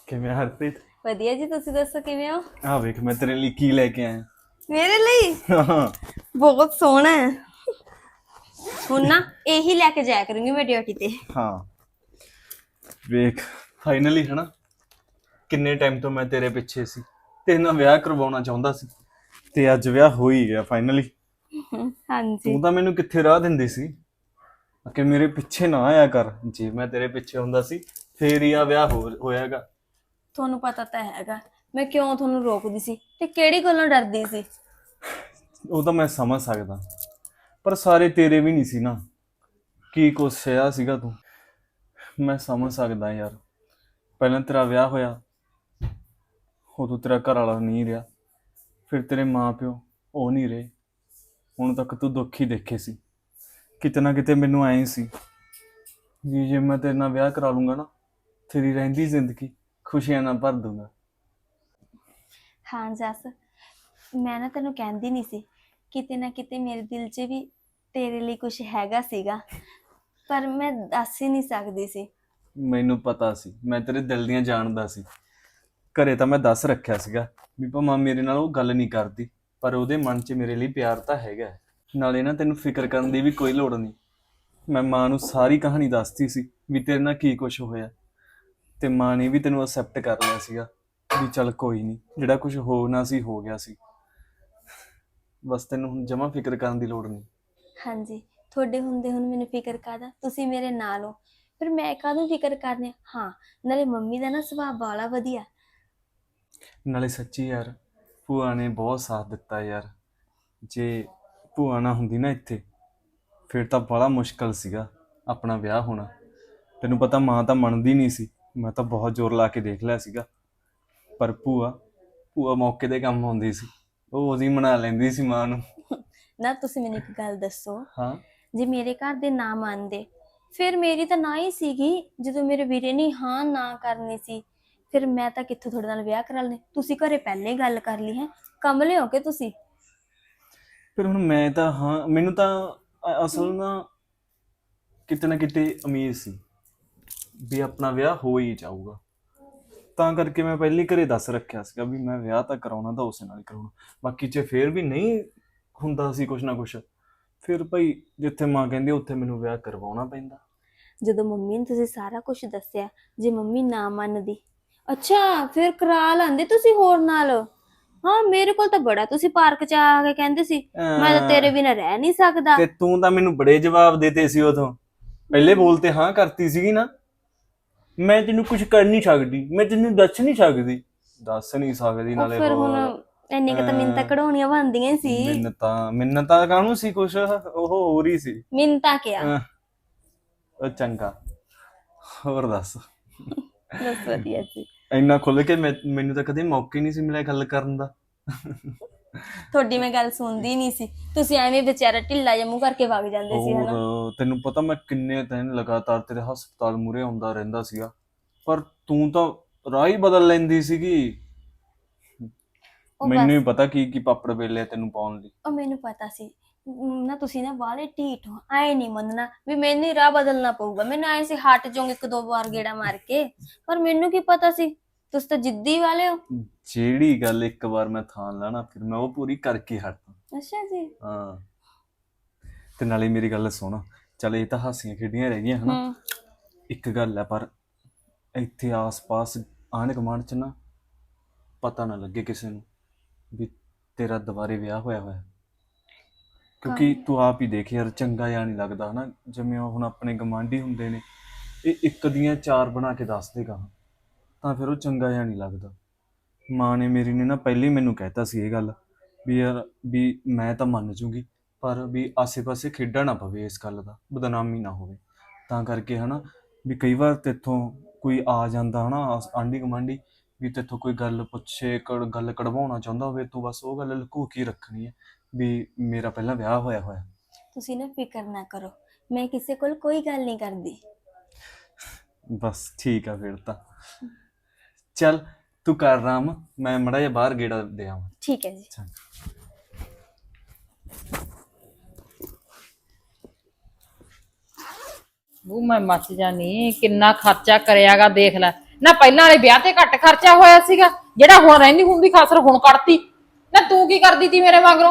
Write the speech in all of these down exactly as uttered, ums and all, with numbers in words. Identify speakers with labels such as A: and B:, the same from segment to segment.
A: ਕਿਵੇਂ ਹਰਪ੍ਰੀਤ?
B: ਵਧੀਆ ਜੀ, ਤੁਸੀਂ ਦੱਸੋ ਕਿਵੇਂ ਹੋ?
A: ਆ ਵੇਖ ਮੈਂ ਤੇਰੇ ਲਈ ਕੀ ਲੈ ਕੇ ਆਇਆ।
B: ਮੇਰੇ ਲਈ
A: ਹਾਂ
B: ਬਹੁਤ ਸੋਹਣਾ ਹੈ। ਹੁਣ ਨਾ ਇਹੀ ਲੈ ਕੇ ਜਾਇਆ ਕਰੂੰਗੀ ਮੈਂ ਡਿਊਟੀ ਤੇ।
A: ਹਾਂ ਵੇਖ ਫਾਈਨਲੀ ਹੈ ਨਾ, ਕਿੰਨੇ ਟਾਈਮ ਤੋਂ ਮੈਂ ਤੇਰੇ ਪਿੱਛੇ ਸੀ, ਤੇਰੇ ਨਾਲ ਵਿਆਹ ਕਰਵਾਉਣਾ ਚਾਹੁੰਦਾ ਸੀ ਤੇ ਅੱਜ ਵਿਆਹ ਹੋ ਹੀ ਗਿਆ ਫਾਈਨਲੀ।
B: ਹਾਂਜੀ।
A: ਤੂੰ ਤਾਂ ਮੈਨੂੰ ਕਿੱਥੇ ਰਾਹ ਦਿੰਦੀ ਸੀ ਕਿ ਮੇਰੇ ਪਿੱਛੇ ਨਾ ਆਇਆ ਕਰ। ਜੇ ਮੈਂ ਤੇਰੇ ਪਿੱਛੇ ਹੁੰਦਾ ਸੀ ਫੇਰ ਹੀ ਆ ਵਿਆਹ ਹੋ ਹੋਇਆਗਾ।
B: ਤੁਹਾਨੂੰ ਪਤਾ ਤਾਂ ਹੈਗਾ ਮੈਂ ਕਿਉਂ ਤੁਹਾਨੂੰ ਰੋਕਦੀ ਸੀ ਤੇ ਕਿਹੜੀ ਗੱਲੋਂ ਡਰਦੀ ਸੀ।
A: ਉਹ ਤਾਂ ਮੈਂ ਸਮਝ ਸਕਦਾ, ਪਰ ਸਾਰੇ ਤੇਰੇ ਵੀ ਨਹੀਂ ਸੀ ਨਾ। ਕੀ ਕੁਛ ਸਹਿਆ ਸੀਗਾ ਤੂੰ। ਮੈਂ ਸਮਝ ਸਕਦਾ ਯਾਰ, ਪਹਿਲਾਂ ਤੇਰਾ ਵਿਆਹ ਹੋਇਆ ਉਦੋਂ ਤੇਰਾ ਘਰ ਵਾਲਾ ਨਹੀਂ ਰਿਹਾ, ਫਿਰ ਤੇਰੇ ਮਾਂ ਪਿਓ ਉਹ ਨਹੀਂ ਰਹੇ। ਹੁਣ ਤੱਕ ਤੂੰ ਦੁੱਖ ਹੀ ਦੇਖੇ ਸੀ। ਕਿਤੇ ਨਾ ਕਿਤੇ ਮੈਨੂੰ ਐਂ ਸੀ ਵੀ ਜੇ ਮੈਂ ਤੇਰੇ ਨਾਲ ਵਿਆਹ ਕਰਾ ਲੂੰਗਾ ਨਾ, ਤੇਰੀ ਰਹਿੰਦੀ ਜ਼ਿੰਦਗੀ ਖੁਸ਼ੀਆਂ ਨਾਲ ਭਰ ਦੂੰਗਾ।
B: ਹਾਂ ਜੱਸ, ਮੈਂ ਨਾ ਤੈਨੂੰ ਕਹਿੰਦੀ ਨਹੀਂ ਸੀ, ਕਿਤੇ ਨਾ ਕਿਤੇ ਮੇਰੇ ਦਿਲ 'ਚ ਵੀ ਤੇਰੇ ਲਈ ਕੁਝ ਹੈਗਾ ਸੀਗਾ, ਪਰ ਮੈਂ ਦੱਸ ਹੀ ਨਹੀਂ ਸਕਦੀ ਸੀ।
A: ਮੈਨੂੰ ਪਤਾ ਸੀ, ਮੈਂ ਤੇਰੇ ਦਿਲ ਦੀਆਂ ਜਾਣਦਾ ਸੀ। ਘਰੇ ਤਾਂ ਮੈਂ ਦੱਸ ਰੱਖਿਆ ਸੀਗਾ ਵੀ ਭਾਵੇਂ ਮੇਰੇ ਨਾਲ ਉਹ ਗੱਲ ਨਹੀਂ ਕਰਦੀ, ਪਰ ਉਹਦੇ ਮਨ 'ਚ ਮੇਰੇ ਲਈ ਪਿਆਰ ਤਾਂ ਹੈਗਾ ਹੈ। ਨਾਲੇ ਨਾ ਤੈਨੂੰ ਫਿਕਰ ਕਰਨ ਦੀ ਵੀ ਕੋਈ ਲੋੜ ਨਹੀਂ। ਮੈਂ ਮਾਂ ਨੂੰ ਸਾਰੀ ਕਹਾਣੀ ਦੱਸਤੀ ਸੀ ਵੀ ਤੇਰੇ ਨਾਲ ਕੀ ਕੁਝ ਹੋਇਆ, ਤੇ ਮਾਂ ਨੇ ਵੀ ਤੈਨੂੰ ਅਕਸੈਪਟ ਕਰ ਲਿਆ ਸੀਗਾ ਵੀ ਚੱਲ ਕੋਈ ਨਹੀਂ, ਜਿਹੜਾ ਕੁਝ ਹੋਣਾ ਸੀ ਹੋ ਗਿਆ ਸੀ। ਬਸ ਤੈਨੂੰ ਹੁਣ ਜਮਾਂ ਫਿਕਰ ਕਰਨ ਦੀ ਲੋੜ ਨਹੀਂ।
B: ਹਾਂਜੀ, ਤੁਹਾਡੇ ਹੁੰਦੇ ਹੁਣ ਮੈਨੂੰ ਫਿਕਰ ਕਾਹਦਾ, ਤੁਸੀਂ ਮੇਰੇ ਨਾਲ ਹੋ, ਫਿਰ ਮੈਂ ਕਾਹਦੋਂ ਫਿਕਰ ਕਰਨੀ। ਹਾਂ, ਨਾਲੇ ਮੰਮੀ ਦਾ ਨਾ ਸੁਭਾਅ ਬਾਲਾ ਵਧੀਆ।
A: ਨਾਲੇ ਸੱਚੀ ਯਾਰ, ਭੂਆ ਨੇ ਬਹੁਤ ਸਾਥ ਦਿੱਤਾ ਯਾਰ। ਜੇ ਭੂਆ ਨਾ ਹੁੰਦੀ ਨਾ ਇੱਥੇ, ਫਿਰ ਤਾਂ ਬੜਾ ਮੁਸ਼ਕਲ ਸੀਗਾ ਆਪਣਾ ਵਿਆਹ ਹੋਣਾ। ਤੈਨੂੰ ਪਤਾ ਮਾਂ ਤਾਂ ਮੰਨਦੀ ਨਹੀਂ ਸੀ, ਮੈਂ ਤਾਂ ਬਹੁਤ ਜ਼ੋਰ ਲਾ ਕੇ ਦੇਖ ਲਿਆ ਸੀਗਾ, ਪਰ ਭੂਆ ਭੂਆ ਮੌਕੇ 'ਤੇ ਕੰਮ ਆਉਂਦੀ ਸੀ, ਉਹ ਉਹਦੀ ਮਨਾ ਲੈਂਦੀ ਸੀ ਮਾਂ ਨੂੰ।
B: ਨਾ ਤੁਸੀਂ ਮੈਨੂੰ ਇੱਕ ਗੱਲ ਦੱਸੋ,
A: ਹਾਂ,
B: ਜੇ ਮੇਰੇ ਘਰ ਦੇ ਨਾ ਮੰਨਦੇ ਫਿਰ ਮੇਰੀ ਤਾਂ ਨਾ ਹੀ ਸੀਗੀ। ਜਦੋਂ ਮੇਰੇ ਵੀਰੇ ਨੇ ਹਾਂ ਨਾ ਕਰਨੀ ਸੀ, ਫਿਰ ਮੈਂ ਤਾਂ ਕਿੱਥੋਂ ਤੁਹਾਡੇ ਨਾਲ ਵਿਆਹ ਕਰਾ ਲੈਣੇ। ਤੁਸੀਂ ਘਰੇ ਪਹਿਲੇ ਹੀ ਗੱਲ ਕਰ ਲਈ ਹੈ, ਕਮਲੇ ਹੋ ਕੇ ਤੁਸੀਂ।
A: ਫਿਰ ਹੁਣ ਮੈਂ ਤਾਂ ਹਾਂ, ਮੈਨੂੰ ਤਾਂ ਅ- ਅਸਲ ਨਾ ਕਿਤੇ ਨਾ ਕਿਤੇ ਉਮੀਦ ਸੀ ਵੀ ਆਪਣਾ ਵਿਆਹ ਹੋ ਹੀ ਜਾਊਗਾ, ਤਾਂ ਕਰਕੇ ਮੈਂ ਪਹਿਲੇ ਹੀ ਘਰੇ ਦੱਸ ਰੱਖਿਆ ਸੀਗਾ ਵੀ ਮੈਂ ਵਿਆਹ ਤਾਂ ਕਰਾਉਣਾ ਤਾਂ ਉਸੇ ਨਾਲ ਹੀ ਕਰਾਉਣਾ। ਬਾਕੀ ਜੇ ਫੇਰ ਵੀ ਨਹੀਂ ਹੁੰਦਾ ਸੀ ਕੁਛ ਨਾ ਕੁਛ, ਫਿਰ ਭਾਈ ਜਿੱਥੇ ਮਾਂ ਕਹਿੰਦੀ ਉੱਥੇ ਮੈਨੂੰ ਵਿਆਹ ਕਰਵਾਉਣਾ ਪੈਂਦਾ।
B: ਜਦੋਂ ਮੰਮੀ ਨੂੰ ਤੁਸੀਂ ਸਾਰਾ ਕੁਝ ਦੱਸਿਆ, ਜੇ ਮੰਮੀ ਨਾ ਮੰਨਦੀ, ਅੱਛਾ ਫਿਰ ਕਰਾ ਲੈਂਦੇ ਤੁਸੀਂ ਹੋਰ ਨਾਲ। ਹਾਂ, ਮੇਰੇ ਕੋਲ ਤਾਂ ਬੜਾ ਤੁਸੀਂ ਪਾਰਕ 'ਚ ਆ ਕੇ ਕਹਿੰਦੇ ਸੀ ਮੈਂ ਤਾਂ ਤੇਰੇ
A: ਅਹ
B: ਬਿਨਾਂ ਰਹਿ ਨਹੀਂ ਸਕਦਾ।
A: ਤੇ ਤੂੰ ਤਾਂ ਮੈਨੂੰ ਬੜੇ ਜਵਾਬ ਦੇਤੇ ਸੀ ਉਦੋਂ, ਪਹਿਲੇ ਬੋਲ ਤੇ ਹਾਂ ਕਰਤੀ ਸੀਗੀ ਨਾ। ਮੈਂ ਤੈਨੂੰ ਕੁਝ ਕਰ ਨਹੀਂ ਸਕਦੀ, ਮੈਂ ਤੈਨੂੰ ਦੱਸ ਨਹੀਂ ਸਕਦੀ। ਦੱਸ ਨਹੀਂ ਸਕਦੀ
B: ਉਹ
A: ਨਾਲੇ
B: ਫਿਰ ਹੁਣ
A: ਹੋਰ
B: ਇੰਨੀ ਕੁ ਤਾਂ ਮਿੰਨਤਾਂ ਕਢਾਉਣੀਆਂ ਬਣਦੀਆਂ ਹੀ ਸੀ।
A: ਮਿੰਨਤਾਂ ਮਿੰਨਤਾਂ ਕਾਹਨੂੰ ਸੀ, ਕੁਛ ਉਹ ਹੋਰ ਹੀ ਸੀ।
B: ਮਿੰਨਤਾਂ ਕਿਆ
A: ਅਹ, ਉਹ ਚੰਗਾ, ਹੋਰ ਦੱਸ।
B: ਬਸ ਵਧੀਆ ਜੀ।
A: ਇੰਨਾ ਖੁੱਲ ਕੇ ਮੈਂ ਮੈਨੂੰ ਤਾਂ ਕਦੇ ਮੌਕੇ ਨਹੀਂ ਸੀ ਮਿਲਿਆ ਗੱਲ ਕਰਨ ਦਾ।
B: ਤੁਹਾਡੀ ਮੈਂ ਗੱਲ ਸੁਣਦੀ ਨਹੀਂ ਸੀ, ਤੁਸੀਂ ਐਵੇਂ ਵਿਚਾਰਾ ਢਿੱਲਾ ਜਿਹਾ ਮੂੰਹ ਕਰਕੇ ਵਗ ਜਾਂਦੇ ਸੀ ਹਨਾ।
A: ਹੋਰ ਤੈਨੂੰ ਪਤਾ ਮੈਂ ਕਿੰਨੇ ਦਿਨ ਲਗਾਤਾਰ ਤੇਰੇ ਹਸਪਤਾਲ ਮੂਹਰੇ ਆਉਂਦਾ ਰਹਿੰਦਾ ਸੀਗਾ, ਪਰ ਤੂੰ ਤਾਂ ਰਾਹ ਹੀ ਬਦਲ ਲੈਂਦੀ ਸੀਗੀ।
B: ਉਹ
A: ਮੈਨੂੰ
B: ਬਸ
A: ਹੀ ਪਤਾ ਕੀ ਕੀ ਪਾਪੜ ਵੇਲੇ ਤੈਨੂੰ ਪਾਉਣ ਲਈ।
B: ਉਹ ਮੈਨੂੰ ਪਤਾ ਸੀ ਨਾ, ਤੁਸੀਂ ਨਾ ਬਾਹਲੇ ਢੀਠ ਹੋ। ਐ ਨਹੀਂ ਮੰਨਣਾ ਵੀ ਮੈਨੂੰ ਹੀ ਰਾਹ ਬਦਲਣਾ ਪਊਗਾ। ਮੈਨੂੰ ਐ ਸੀ ਹਟ ਜਾਓਗੇ ਇੱਕ ਦੋ ਵਾਰ ਗੇੜਾ ਮਾਰ ਕੇ, ਪਰ ਮੈਨੂੰ ਕੀ ਪਤਾ ਸੀ ਤੁਸੀਂ ਤਾਂ ਜਿੱਦੀ ਵਾਲੇ ਹੋ।
A: ਜਿਹੜੀ ਗੱਲ ਇੱਕ ਵਾਰ ਮੈਂ ਥਾਂ ਲਾਣਾ ਫਿਰ ਮੈਂ ਉਹ ਪੂਰੀ ਕਰਕੇ ਹਟਦਾ।
B: ਅੱਛਾ ਜੀ।
A: ਹਾਂ, ਤੇ ਨਾਲੇ ਮੇਰੀ ਗੱਲ ਸੁਣ, ਚੱਲ ਇਹ ਤਾਂ ਹਾਸੀਆਂ ਖੇਡੀਆਂ ਰਹਿ ਗਈਆਂ ਹਨਾ।
B: ਹੂੰ।
A: ਇੱਕ ਗੱਲ ਹੈ, ਪਰ ਇੱਥੇ ਆਸ-ਪਾਸ ਆਂਢ ਗੁਆਂਢ 'ਚ ਨਾ ਪਤਾ ਨਾ ਲੱਗੇ ਕਿਸੇ ਨੂੰ ਵੀ ਤੇਰਾ ਦੁਬਾਰੇ ਵਿਆਹ ਹੋਇਆ ਹੋਇਆ, ਕਿਉਂਕਿ ਤੂੰ ਆਪ ਹੀ ਦੇਖ ਯਾਰ, ਚੰਗਾ ਜਿਹਾ ਨਹੀਂ ਲੱਗਦਾ ਹਨਾ। ਜਿਵੇਂ ਹੁਣ ਆਪਣੇ ਗਵਾਂਢੀ ਹੁੰਦੇ ਨੇ, ਇਹ ਇੱਕ ਦੀਆਂ ਚਾਰ ਬਣਾ ਕੇ ਦੱਸ ਦੇਗਾ ਤਾਂ ਫਿਰ ਉਹ ਚੰਗਾ ਜਿਹਾ ਨਹੀਂ ਲੱਗਦਾ। ਮਾਂ ਨੇ ਮੇਰੀ ਨੇ ਨਾ ਪਹਿਲੇ ਹੀ ਮੈਨੂੰ ਕਹਿਤਾ ਸੀ ਇਹ ਗੱਲ ਵੀ ਯਾਰ ਵੀ ਮੈਂ ਤਾਂ ਮੰਨ ਜੂਗੀ, ਪਰ ਵੀ ਆਸੇ-ਪਾਸੇ ਖੇਡਾਂ ਨਾ ਪਵੇ, ਇਸ ਗੱਲ ਦਾ ਬਦਨਾਮੀ ਨਾ ਹੋਵੇ। ਤਾਂ ਕਰਕੇ ਹਨਾ ਵੀ ਕਈ ਵਾਰ ਤੇਥੋਂ ਕੋਈ ਆ ਜਾਂਦਾ ਹਨਾ ਆਂਢੀ ਗੁਆਂਢੀ, ਵੀ ਤੇਥੋਂ ਕੋਈ ਗੱਲ ਪੁੱਛੇ, ਕੜ ਗੱਲ ਕਢਵਾਉਣਾ ਚਾਹੁੰਦਾ ਹੋਵੇ, ਤੂੰ ਬਸ ਉਹ ਗੱਲ ਲੁਕੋ ਕੇ ਰੱਖਣੀ ਹੈ ਵੀ ਮੇਰਾ ਪਹਿਲਾਂ ਵਿਆਹ ਹੋਇਆ ਹੋਇਆ।
B: ਤੁਸੀਂ ਨਾ ਫਿਕਰ ਨਾ ਕਰੋ, ਮੈਂ ਕਿਸੇ ਕੋਲ ਕੋਈ ਗੱਲ ਨਹੀਂ ਕਰਦੀ।
A: ਬਸ ਠੀਕ ਆ ਫਿਰ ਤਾਂ। ਚੱਲ ਤੂੰ ਕਰ ਆਰਾਮ, ਮੈਂ ਮਾੜਾ ਜਿਹਾ ਬਾਹਰ ਗੇੜਾ ਦੇ ਆਵਾਂ।
B: ਠੀਕ ਹੈ ਜੀ।
C: ਉਹ ਮੈਂ ਮੱਚ ਜਾਨੀ, ਕਿੰਨਾ ਖਰਚਾ ਕਰਿਆਗਾ ਦੇਖ ਲੈ। ਨਾ ਪਹਿਲਾਂ ਵਾਲੇ ਵਿਆਹ ਤੇ ਘੱਟ ਖਰਚਾ ਹੋਇਆ ਸੀਗਾ, ਜਿਹੜਾ ਹੁਣ ਰਹਿੰਦੀ ਹੁੰਦੀ ਖਾਸਰ ਹੁਣ ਕੱਢਤੀ। ਨਾ ਤੂੰ ਕੀ ਕਰਦੀ ਤੀ ਮੇਰੇ ਮਗਰੋਂ?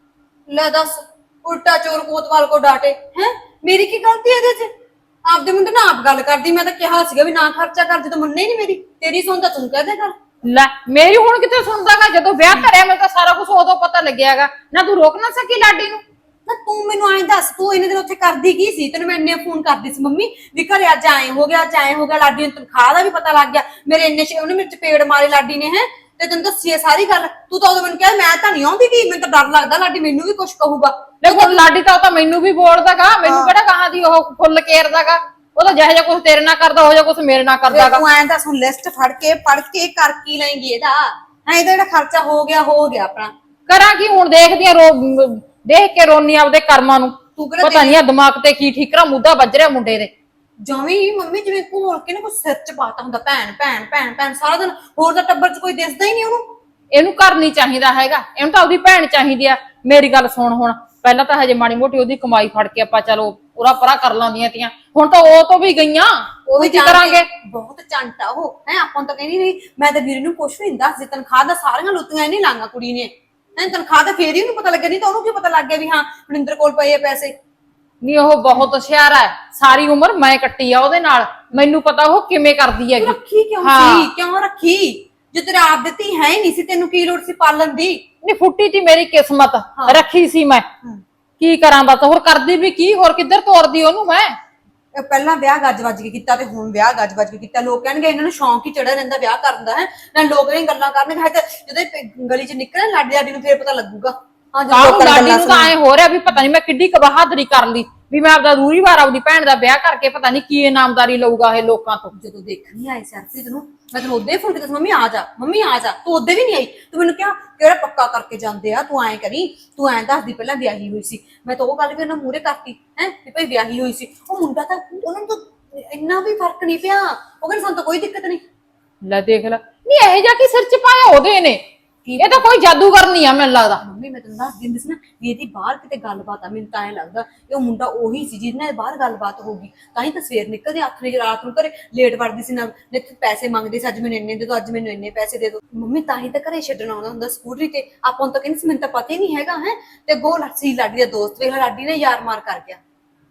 D: ਲੈ ਦੱਸ, ਉਲਟਾ ਚੋਰ ਕੋਤਵਾਲ ਕੋ ਡਾਟੇ ਹੈ। ਮੇਰੀ ਕੀ ਗਲਤੀ ਹੈ ਇਹਦੇ ਚ? ਆਪਦੇ ਮੁੰਡੇ ਨਾਲ ਆਪ ਗੱਲ ਕਰਦੀ, ਮੈਂ ਤਾਂ ਕਿਹਾ ਸੀਗਾ ਵੀ ਨਾ ਖਰਚਾ ਕਰ, ਜਦੋਂ ਮੰਨੇ ਹੀ ਨਹੀਂ ਮੇਰੀ। ਤੇਰੀ ਸੁਣਦਾ ਤੂੰ ਕਹਦੇ ਕਰ।
C: ਲੈ ਮੇਰੀ ਹੁਣ ਕਿੱਥੇ ਸੁਣਦਾਗਾ? ਜਦੋਂ ਵਿਆਹ ਧਰਿਆ ਮੈਨੂੰ ਤਾਂ ਸਾਰਾ ਕੁਝ ਉਦੋਂ ਪਤਾ ਲੱਗਿਆਗਾ। ਨਾ ਤੂੰ ਰੋਕ ਨਾ ਸਕੀ ਲਾਡੀ ਨੂੰ?
D: ਨਾ ਤੂੰ ਮੈਨੂੰ ਐਂ ਦੱਸ, ਤੂੰ ਇਹਨੇ ਦਿਨ ਉੱਥੇ ਕਰਦੀ ਕੀ ਸੀ? ਤੈਨੂੰ ਮੈਂ ਇੰਨੇ ਫੋਨ ਕਰਦੀ ਸੀ ਮੰਮੀ ਵੀ ਘਰੇ ਅੱਜ ਆਏ ਹੋ ਗਿਆ, ਅੱਜ ਆਏ ਹੋ ਗਿਆ। ਲਾਡੀ ਨੂੰ ਤਨਖਾਹ ਦਾ ਵੀ ਪਤਾ ਲੱਗ ਗਿਆ, ਮੇਰੇ ਇੰਨੇ ਉਹਨੇ ਮੇਰੇ ਚਪੇੜ ਮਾਰੇ ਲਾਡੀ ਨੇ ਹੈ, ਤੇ ਤੈਨੂੰ ਦੱਸੀ ਹੈ ਸਾਰੀ ਗੱਲ। ਤੂੰ ਤਾਂ ਉਦੋਂ ਮੈਨੂੰ ਕਿਹਾ ਮੈਂ ਤਾਂ ਨਹੀਂ ਆਉਂਦੀ, ਕਿ ਮੈਨੂੰ ਤਾਂ ਡਰ ਲੱਗਦਾ ਲਾਡੀ ਮੈਨੂੰ ਵੀ ਕੁਝ ਕਹੂਗਾ।
C: ਦੇਖੋ ਲਾਡੀ ਤਾਂ ਉਹ ਤਾਂ ਮੈਨੂੰ ਵੀ ਬੋਲਦਾਗਾ, ਮੈਨੂੰ ਕਿਹੜਾ ਕਹਾਂ ਦੀ ਉਹ ਫੁੱਲ ਕੇਰਦਾਗਾ। ਉਹ ਤਾਂ ਜਿਹੋ ਜਿਹਾ ਕੁਝ ਤੇਰੇ ਨਾਲ ਕਰਦਾ ਹੋ ਜਾ ਕੁਝ ਮੇਰੇ ਨਾਲ ਕਰਦਾਗਾ।
D: ਤੂੰ ਐਂ ਦੱਸ, ਹੁਣ ਲਿਸਟ ਫੜ ਕੇ ਪੜ ਕੇ ਕਰ ਕੀ ਲੈਂਗੀ ਇਹਦਾ? ਐ ਇਹਦਾ ਜਿਹੜਾ ਖਰਚਾ ਹੋ ਗਿਆ ਹੋ ਗਿਆ ਆਪਣਾ।
C: ਕਰਾਂ ਕੀ ਹੁਣ? ਦੇਖਦੀ ਆ ਰੋ ਦੇਖ ਕੇ ਰੋਨੀ ਆਪਦੇ ਕਰਮਾਂ ਨੂੰ।
D: ਤੂੰ ਕਿਹੜਾ
C: ਪਤਾ ਨਹੀਂ ਆ ਦਿਮਾਗ ਤੇ ਕੀ ਠੀਕਰਾ ਮੁੱਦਾ ਵੱਜ ਰਿਹਾ ਮੁੰਡੇ ਦੇ।
D: ਜਮੀ ਮੰਮੀ ਜਿਵੇਂ ਘੋਲ ਕੇ ਨਾ ਕੁਝ ਸਿਰ ਚ ਪਾਤਾ ਹੁੰਦਾ, ਭੈਣ ਭੈਣ ਭੈਣ ਭੈਣ ਸਾਰਾ ਦਿਨ। ਹੋਰ ਤਾਂ ਟੱਬਰ ਚ ਕੋਈ ਦਿਸਦਾ ਹੀ ਨਹੀਂ ਉਹਨੂੰ।
C: ਇਹਨੂੰ ਘਰ ਨਹੀਂ ਚਾਹੀਦਾ ਹੈਗਾ, ਇਹਨੂੰ ਤਾਂ ਉਹਦੀ ਭੈਣ ਚਾਹੀਦੀ ਆ। ਮੇਰੀ ਗੱਲ ਸੁਣ, ਹੁਣ ਪਹਿਲਾਂ ਤਾਂ ਹਜੇ ਮਾੜੀ ਮੋਟੀ ਉਹਦੀ ਕਮਾਈ ਫੜ ਕੇ ਆਪਾਂ ਚਲੋ ਪੂਰਾ ਪਰਾ ਕਰ ਲਾਂਦੀਆਂ ਤੀਆਂ, ਹੁਣ ਤਾਂ ਉਹ ਤੋਂ ਵੀ ਗਈਆਂ।
D: ਉਹ ਵੀ
C: ਕੀ ਕਰਾਂਗੇ?
D: ਬਹੁਤ ਚੰਟਾ ਉਹ ਹੈ। ਆਪਾਂ ਨੂੰ ਤਾਂ ਕਹਿੰਦੀ ਨਹੀਂ, ਮੈਂ ਤਾਂ ਵੀਰ ਨੂੰ ਕੁਛ ਵੀ ਨਹੀਂ ਦੱਸਦੀ। ਤਨਖਾਹ ਦਾ ਸਾਰੀਆਂ ਲੁੱਟੀਆਂ ਨਹੀਂ ਲਾਂਗਾ ਕੁੜੀ ਨੇ। ਐ ਤਨਖਾਹ ਤਾਂ ਫੇਰ ਹੀ ਉਹਨੂੰ ਪਤਾ ਲੱਗਿਆ, ਨਹੀਂ ਤਾਂ ਉਹਨੂੰ ਕੀ ਪਤਾ ਲੱਗ ਗਿਆ ਵੀ ਹਾਂ ਮਨਿੰਦਰ ਕੋਲ ਪਏ ਆ ਪੈਸੇ।
C: ਨਹੀਂ ਉਹ ਬਹੁਤ ਹੁਸ਼ਿਆਰ ਹੈ, ਸਾਰੀ ਉਮਰ ਮੈਂ ਕੱਟੀ ਆ ਉਹਦੇ ਨਾਲ, ਮੈਨੂੰ ਪਤਾ ਉਹ ਕਿਵੇਂ ਕਰਦੀ ਹੈਗੀ।
D: ਰੱਖੀ ਕਿਉਂ ਸੀ? ਕਿਉਂ ਰੱਖੀ? ਜੇ ਤੇਰੇ ਆਪ ਦਿੱਤੀ ਹੈ ਹੀ ਨਹੀਂ ਸੀ, ਤੈਨੂੰ ਕੀ ਲੋੜ ਸੀ ਪਾਲਣ ਦੀ?
C: ਨਹੀਂ ਫੁੱਟੀ ਤੀ ਮੇਰੀ ਕਿਸਮਤ, ਰੱਖੀ ਸੀ ਮੈਂ। ਕੀ ਕਰਾਂ ਬਸ, ਹੋਰ ਕਰਦੀ ਵੀ ਕੀ, ਹੋਰ ਕਿੱਧਰ ਤੋਰਦੀ ਉਹਨੂੰ ਮੈਂ?
D: ਇਹ ਪਹਿਲਾਂ ਵਿਆਹ ਗੱਜ ਵੱਜ ਕੇ ਕੀਤਾ ਤੇ ਹੁਣ ਵਿਆਹ ਗੱਜ ਵੱਜ ਕੇ ਕੀਤਾ। ਲੋਕ ਕਹਿਣਗੇ ਇਹਨਾਂ ਨੂੰ ਸ਼ੌਂਕ ਹੀ ਚੜਿਆ ਰਹਿੰਦਾ ਵਿਆਹ ਕਰਨ ਦਾ ਹੈ ਨਾ। ਲੋਕ ਇਹ ਗੱਲਾਂ ਕਰਨਗੇ, ਹੈ ਤੇ ਜਦੋਂ ਇਹ ਗਲੀ ਚ ਨਿਕਲੇ ਲਾਡੀ ਲਾਡੀ ਨੂੰ ਫੇਰ ਪਤਾ ਲੱਗੂਗਾ। ਹਾਂ ਜਦੋਂ
C: ਕਾਹਨੂੰ
D: ਲੋਕਾਂ
C: ਲਾਡੀ
D: ਦੀਆਂ
C: ਨੂੰ ਤਾਂ ਐ ਹੋ ਰਿਹਾ ਵੀ ਪਤਾ ਨਹੀਂ ਮੈਂ ਕਿੱਡੀ ਕ ਬਹਾਦਰੀ ਕਰ ਲਈ ਵੀ ਮੈਂ ਆਪਦਾ ਰੂਰੀ ਵਾਰ ਆਪਦੀ ਭੈਣ ਦਾ ਵਿਆਹ ਕਰਕੇ ਪਤਾ ਨਹੀਂ ਕੀ ਇਨਾਮਦਾਰੀ ਲਊਗਾ ਇਹ ਲੋਕਾਂ ਤੋਂ।
D: ਜਦੋਂ ਦੇਖਣ ਨਹੀਂ ਆਏ ਸਰਪ੍ਰੀਤ ਨੂੰ, ਮੈਂ ਤੈਨੂੰ ਉਹਦੇ ਫੋਨ ਕੀਤਾ, ਮੰਮੀ ਆ ਜਾ ਮੰਮੀ ਆ ਜਾ, ਤੂੰ ਉਹਦੇ ਵੀ ਨਹੀਂ ਆਈ। ਤੂੰ ਮੈਨੂੰ ਕਿਹਾ ਕਿਹੜਾ ਪੱਕਾ ਕਰਕੇ ਜਾਂਦੇ ਆ, ਤੂੰ ਐਂ ਕਰੀ, ਤੂੰ ਐਂ ਦੱਸਦੀ ਪਹਿਲਾਂ ਵਿਆਹੀ ਹੋਈ ਸੀ। ਮੈਂ ਤਾਂ ਉਹ ਗੱਲ ਵੀ ਉਹਨਾਂ ਮੂਹਰੇ ਕਰਤੀ ਹੈ ਵੀ ਭਾਈ ਵਿਆਹੀ ਹੋਈ ਸੀ। ਉਹ ਮੁੰਡਾ ਤਾਂ ਉਹਨਾਂ ਨੂੰ ਤਾਂ ਇੰਨਾ ਵੀ ਫਰਕ ਨਹੀਂ ਪਿਆ। ਉਹ ਕਹਿੰਦੇ ਸਾਨੂੰ ਤਾਂ ਕੋਈ ਦਿੱਕਤ ਨਹੀਂ।
C: ਲੈ ਦੇਖ ਲੈ, ਨਹੀਂ ਇਹ ਜਾ ਕੇ ਸਿਰ ਚ ਪਾਇਆ ਉਹਦੇ ਨੇ, ਇਹ ਤਾਂ ਕੋਈ ਜਾਦੂਗਰ ਨਹੀਂ ਆ ਮੈਨੂੰ ਲੱਗਦਾ।
D: ਮੰਮੀ ਮੈਂ ਤੈਨੂੰ ਦੱਸ ਦਿੰਦੀ ਸੀ ਨਾ ਵੀ ਇਹਦੀ ਬਾਹਰ ਕਿਤੇ ਗੱਲਬਾਤ ਆ। ਮੈਨੂੰ ਤਾਂ ਐਂ ਲੱਗਦਾ ਇਹ ਉਹ ਮੁੰਡਾ ਉਹੀ ਸੀ ਜਿਹਦੇ ਨਾਲ ਬਾਹਰ ਗੱਲਬਾਤ ਹੋਊਗੀ, ਤਾਂ ਹੀ ਤਾਂ ਸਵੇਰ ਨਿਕਲਦੇ ਅੱਠ ਵਜੇ ਰਾਤ ਨੂੰ ਘਰੇ ਲੇਟ ਵੜਦੀ ਸੀ ਨਾ। ਨਿੱਤ ਪੈਸੇ ਮੰਗਦੇ ਸੀ, ਅੱਜ ਮੈਨੂੰ ਇੰਨੇ ਦੇ ਦੋ, ਅੱਜ ਮੈਨੂੰ ਇੰਨੇ ਪੈਸੇ ਦੇ ਦੋ। ਮੰਮੀ ਤਾਂ ਹੀ ਤਾਂ ਘਰੇ ਛੱਡਣ ਆਉਂਦਾ ਹੁੰਦਾ ਸਕੂਟਰੀ ਤੇ। ਆਪਾਂ ਨੂੰ ਤਾਂ ਕਹਿੰਦੀ ਸੀ ਮੈਨੂੰ ਤਾਂ ਪਤਾ ਹੀ ਨਹੀਂ ਹੈਗਾ ਹੈ। ਤੇ ਗੋ ਲੱਸੀ ਲਾਡੀ ਦਾ ਦੋਸਤ ਵੇਖ ਲਾਡੀ ਨੇ ਯਾਰ ਮਾਰ ਕਰ ਗਿਆ।